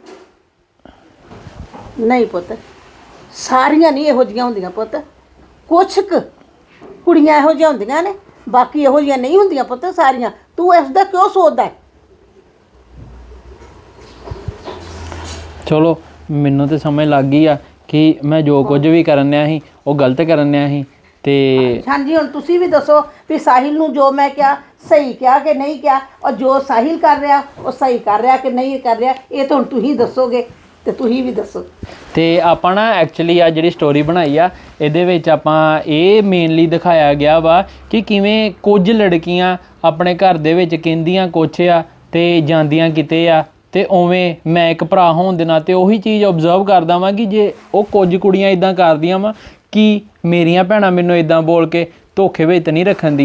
[SPEAKER 3] ਨਹੀਂ ਪੁੱਤ, ਸਾਰੀਆਂ ਨਹੀਂ ਇਹੋ ਜਿਹੀਆਂ ਹੁੰਦੀਆਂ ਪੁੱਤ। ਕੁਛ ਕੁ ਕੁੜੀਆਂ ਇਹੋ ਜਿਹੀਆਂ ਹੁੰਦੀਆਂ ਨੇ, ਬਾਕੀ ਇਹੋ ਜਿਹੀਆਂ ਨਹੀਂ ਹੁੰਦੀਆਂ ਪੁੱਤ ਸਾਰੀਆਂ। ਤੂੰ ਇਸ ਦਾ ਕਿਉਂ ਸੋਚਦਾ ਹੈ?
[SPEAKER 1] ਚਲੋ ਮੈਨੂੰ ਤਾਂ ਸਮਝ ਲੱਗ ਗਈ ਆ ਕਿ ਮੈਂ ਜੋ ਕੁਝ ਵੀ ਕਰਨ ਡਿਆ ਸੀ ਉਹ ਗਲਤ ਕਰਨ ਡਿਆ ਸੀ। ਤੇ
[SPEAKER 3] ਹਾਂਜੀ ਹੁਣ ਤੁਸੀਂ ਵੀ ਦੱਸੋ ਵੀ ਸਾਹਿਲ ਨੂੰ ਜੋ ਮੈਂ ਕਿਹਾ ਸਹੀ ਕਿਹਾ ਕਿ ਨਹੀਂ ਕਿਹਾ, ਔਰ ਜੋ ਸਾਹਿਲ ਕਰ ਰਿਹਾ ਉਹ ਸਹੀ ਕਰ ਰਿਹਾ ਕਿ ਨਹੀਂ ਕਰ ਰਿਹਾ, ਇਹ ਤਾਂ ਹੁਣ ਤੁਸੀਂ ਦੱਸੋਗੇ ਤੇ ਤੁਸੀਂ ਵੀ ਦੱਸੋ।
[SPEAKER 1] ਤੇ ਆਪਾਂ ਨਾ ਐਕਚੁਅਲੀ ਆ ਜਿਹੜੀ ਸਟੋਰੀ ਬਣਾਈ ਆ ਇਹਦੇ ਵਿੱਚ ਆਪਾਂ ਇਹ ਮੇਨਲੀ ਦਿਖਾਇਆ ਗਿਆ ਵਾ ਕਿ ਕਿਵੇਂ ਕੁਝ ਲੜਕੀਆਂ ਆਪਣੇ ਘਰ ਦੇ ਵਿੱਚ ਕਹਿੰਦੀਆਂ ਕੁਛ ਆ ਤੇ ਜਾਂਦੀਆਂ ਕਿਤੇ ਆ। ਤੇ ਉਵੇਂ ਮੈਂ ਇੱਕ ਭਰਾ ਹੋਣ ਦੇ ਨਾਤੇ ਉਹੀ ਚੀਜ਼ ਓਬਜ਼ਰਵ ਕਰਦਾ ਵਾਂ ਕਿ ਜੇ ਉਹ ਕੁਝ ਕੁੜੀਆਂ ਇਦਾਂ ਕਰਦੀਆਂ ਵਾ ਕਿ ਮੇਰੀਆਂ ਭੈਣਾਂ ਮੈਨੂੰ ਇਦਾਂ ਬੋਲ ਕੇ ਧੋਖੇ ਵਿੱਚ ਨਹੀਂ ਰੱਖਣ ਦੀਆਂ,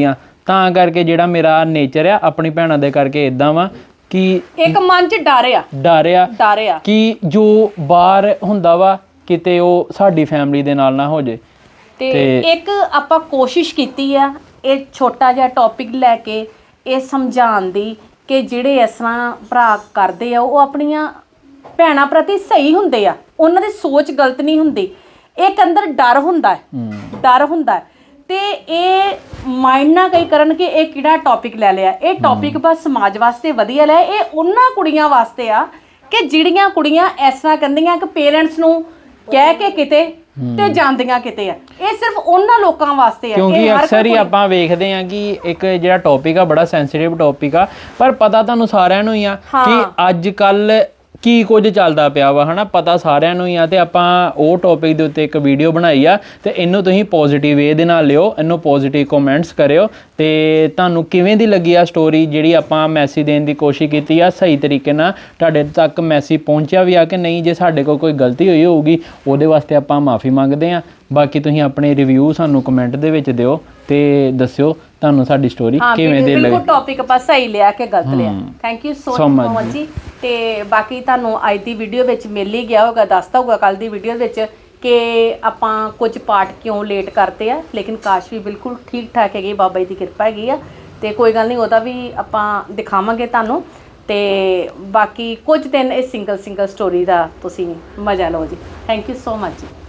[SPEAKER 1] ਤਾਂ ਕਰਕੇ ਜਿਹੜਾ ਮੇਰਾ ਨੇਚਰ ਆ ਆਪਣੀ ਭੈਣਾਂ ਦੇ ਕਰਕੇ ਇਦਾਂ ਵਾ ਕਿ
[SPEAKER 4] ਇੱਕ ਮਨ 'ਚ ਡਰ ਆ
[SPEAKER 1] ਡਰ ਆ
[SPEAKER 4] ਡਰ ਆ
[SPEAKER 1] ਕਿ ਜੋ ਬਾਹਰ ਹੁੰਦਾ ਵਾ ਕਿਤੇ ਉਹ ਸਾਡੀ ਫੈਮਿਲੀ ਦੇ ਨਾਲ ਨਾ ਹੋ ਜੇ।
[SPEAKER 4] ਤੇ ਇੱਕ ਆਪਾਂ ਕੋਸ਼ਿਸ਼ ਕੀਤੀ ਆ ਇਹ ਛੋਟਾ ਜਿਹਾ ਟੌਪਿਕ ਲੈ ਕੇ ਇਹ ਸਮਝਾਉਣ ਦੀ ਕਿ ਜਿਹੜੇ ਇਸ ਤਰ੍ਹਾਂ ਭਰਾ ਕਰਦੇ ਆ ਉਹ ਆਪਣੀਆਂ ਭੈਣਾਂ ਪ੍ਰਤੀ ਸਹੀ ਹੁੰਦੇ ਆ, ਉਹਨਾਂ ਦੀ ਸੋਚ ਗਲਤ ਨਹੀਂ ਹੁੰਦੀ। ਇੱਕ ਅੰਦਰ ਡਰ ਹੁੰਦਾ ਹੈ ਡਰ ਹੁੰਦਾ ਹੈ ਤੇ ਇਹ ਮਾਈਂਡ ਨਾ ਕਈ ਕਰਨ ਕਿ ਇਹ ਕਿਹੜਾ ਟੌਪਿਕ ਲੈ ਲਿਆ। ਇਹ ਟੌਪਿਕ ਬਸ ਸਮਾਜ ਵਾਸਤੇ ਵਧੀਆ ਲਿਆ, ਇਹ ਉਹਨਾਂ ਕੁੜੀਆਂ ਵਾਸਤੇ ਆ ਕਿ ਜਿਹੜੀਆਂ ਕੁੜੀਆਂ ਇਸ ਤਰ੍ਹਾਂ ਕਹਿੰਦੀਆਂ ਕਿ ਪੇਰੈਂਟਸ ਨੂੰ ਕਹਿ ਕੇ ਕਿਤੇ ਤੇ ਜਾਂਦੀਆਂ ਕਿਤੇ ਆ। ਇਹ ਸਿਰਫ ਉਹਨਾਂ ਲੋਕਾਂ ਵਾਸਤੇ ਆ
[SPEAKER 1] ਕਿਉਂਕਿ ਅਕਸਰ ਹੀ ਆਪਾਂ ਵੇਖਦੇ ਆ ਕਿ ਇੱਕ ਜਿਹੜਾ ਟੌਪਿਕ ਆ ਬੜਾ ਸੈਂਸਿਟਿਵ ਟੌਪਿਕ ਆ, ਪਰ ਪਤਾ ਤੁਹਾਨੂੰ ਸਾਰਿਆਂ ਨੂੰ ਹੀ ਆ ਕਿ ਅੱਜ ਕੱਲ ਕੀ ਕੁਝ ਚੱਲਦਾ ਪਿਆ ਵਾ ਹਨਾ, ਪਤਾ ਸਾਰਿਆਂ ਨੂੰ ਹੀ ਆ। ਤੇ ਆਪਾਂ ਉਹ ਟੌਪਿਕ ਦੇ ਉੱਤੇ ਇੱਕ ਵੀਡੀਓ ਬਣਾਈ ਆ ਤੇ ਇਹਨੂੰ ਤੁਸੀਂ ਪੋਜ਼ਿਟਿਵ ਵੇ ਦੇ ਨਾਲ ਲਿਓ, ਇਹਨੂੰ ਪੋਜ਼ਿਟਿਵ ਕਮੈਂਟਸ ਕਰਿਓ ਤੇ ਤੁਹਾਨੂੰ ਕਿਵੇਂ ਦੀ ਲੱਗੀ ਆ ਸਟੋਰੀ ਜਿਹੜੀ ਆਪਾਂ ਮੈਸੇਜ ਦੇਣ ਦੀ ਕੋਸ਼ਿਸ਼ ਕੀਤੀ ਆ, ਸਹੀ ਤਰੀਕੇ ਨਾਲ ਤੁਹਾਡੇ ਤੱਕ ਮੈਸੇਜ ਪਹੁੰਚਿਆ ਵੀ ਆ ਕਿ ਨਹੀਂ। ਜੇ ਸਾਡੇ ਕੋਲ ਕੋਈ ਗਲਤੀ ਹੋਈ ਹੋਊਗੀ ਉਹਦੇ ਵਾਸਤੇ ਆਪਾਂ ਮਾਫੀ ਮੰਗਦੇ ਆ। ਬਾਕੀ ਤੁਸੀਂ ਆਪਣੇ ਰਿਵਿਊ ਸਾਨੂੰ ਕਮੈਂਟ ਦੇ ਵਿੱਚ ਦਿਓ ਤੇ ਦੱਸਿਓ ਤੁਹਾਨੂੰ ਸਾਡੀ ਸਟੋਰੀ ਕਿਵੇਂ ਦੀ ਲੱਗੀ।
[SPEAKER 4] ਬਿਲਕੁਲ ਟੌਪਿਕ ਆਪਾਂ ਸਹੀ ਲਿਆ ਕਿ ਗਲਤ ਲਿਆ। ਥੈਂਕ ਯੂ ਸੋ ਮਚ ਜੀ। ਤੇ ਬਾਕੀ ਤੁਹਾਨੂੰ ਅੱਜ ਦੀ ਵੀਡੀਓ ਵਿੱਚ ਮਿਲ ਹੀ ਗਿਆ ਹੋਗਾ, ਦੱਸਦਾ ਹੋਊਗਾ ਕੱਲ ਦੀ ਵੀਡੀਓ ਵਿੱਚ ਕਿ ਆਪਾਂ ਕੁਝ ਪਾਰਟ ਕਿਉਂ ਲੇਟ ਕਰਤੇ ਆ, ਲੇਕਿਨ ਕਾਸ਼ ਵੀ ਬਿਲਕੁਲ ਠੀਕ ਠਾਕ ਹੈਗੀ, ਬਾਬਾ ਜੀ ਦੀ ਕਿਰਪਾ ਹੈਗੀ ਆ। ਤੇ ਕੋਈ ਗੱਲ ਨਹੀਂ, ਉਹਦਾ ਵੀ ਆਪਾਂ ਦਿਖਾਵਾਂਗੇ ਤੁਹਾਨੂੰ। ਤੇ ਬਾਕੀ ਕੁਝ ਦਿਨ ਇਹ ਸਿੰਗਲ ਸਿੰਗਲ ਸਟੋਰੀ ਦਾ ਤੁਸੀਂ ਮਜ਼ਾ ਲਓ ਜੀ। ਥੈਂਕ ਯੂ ਸੋ ਮਚ ਜੀ।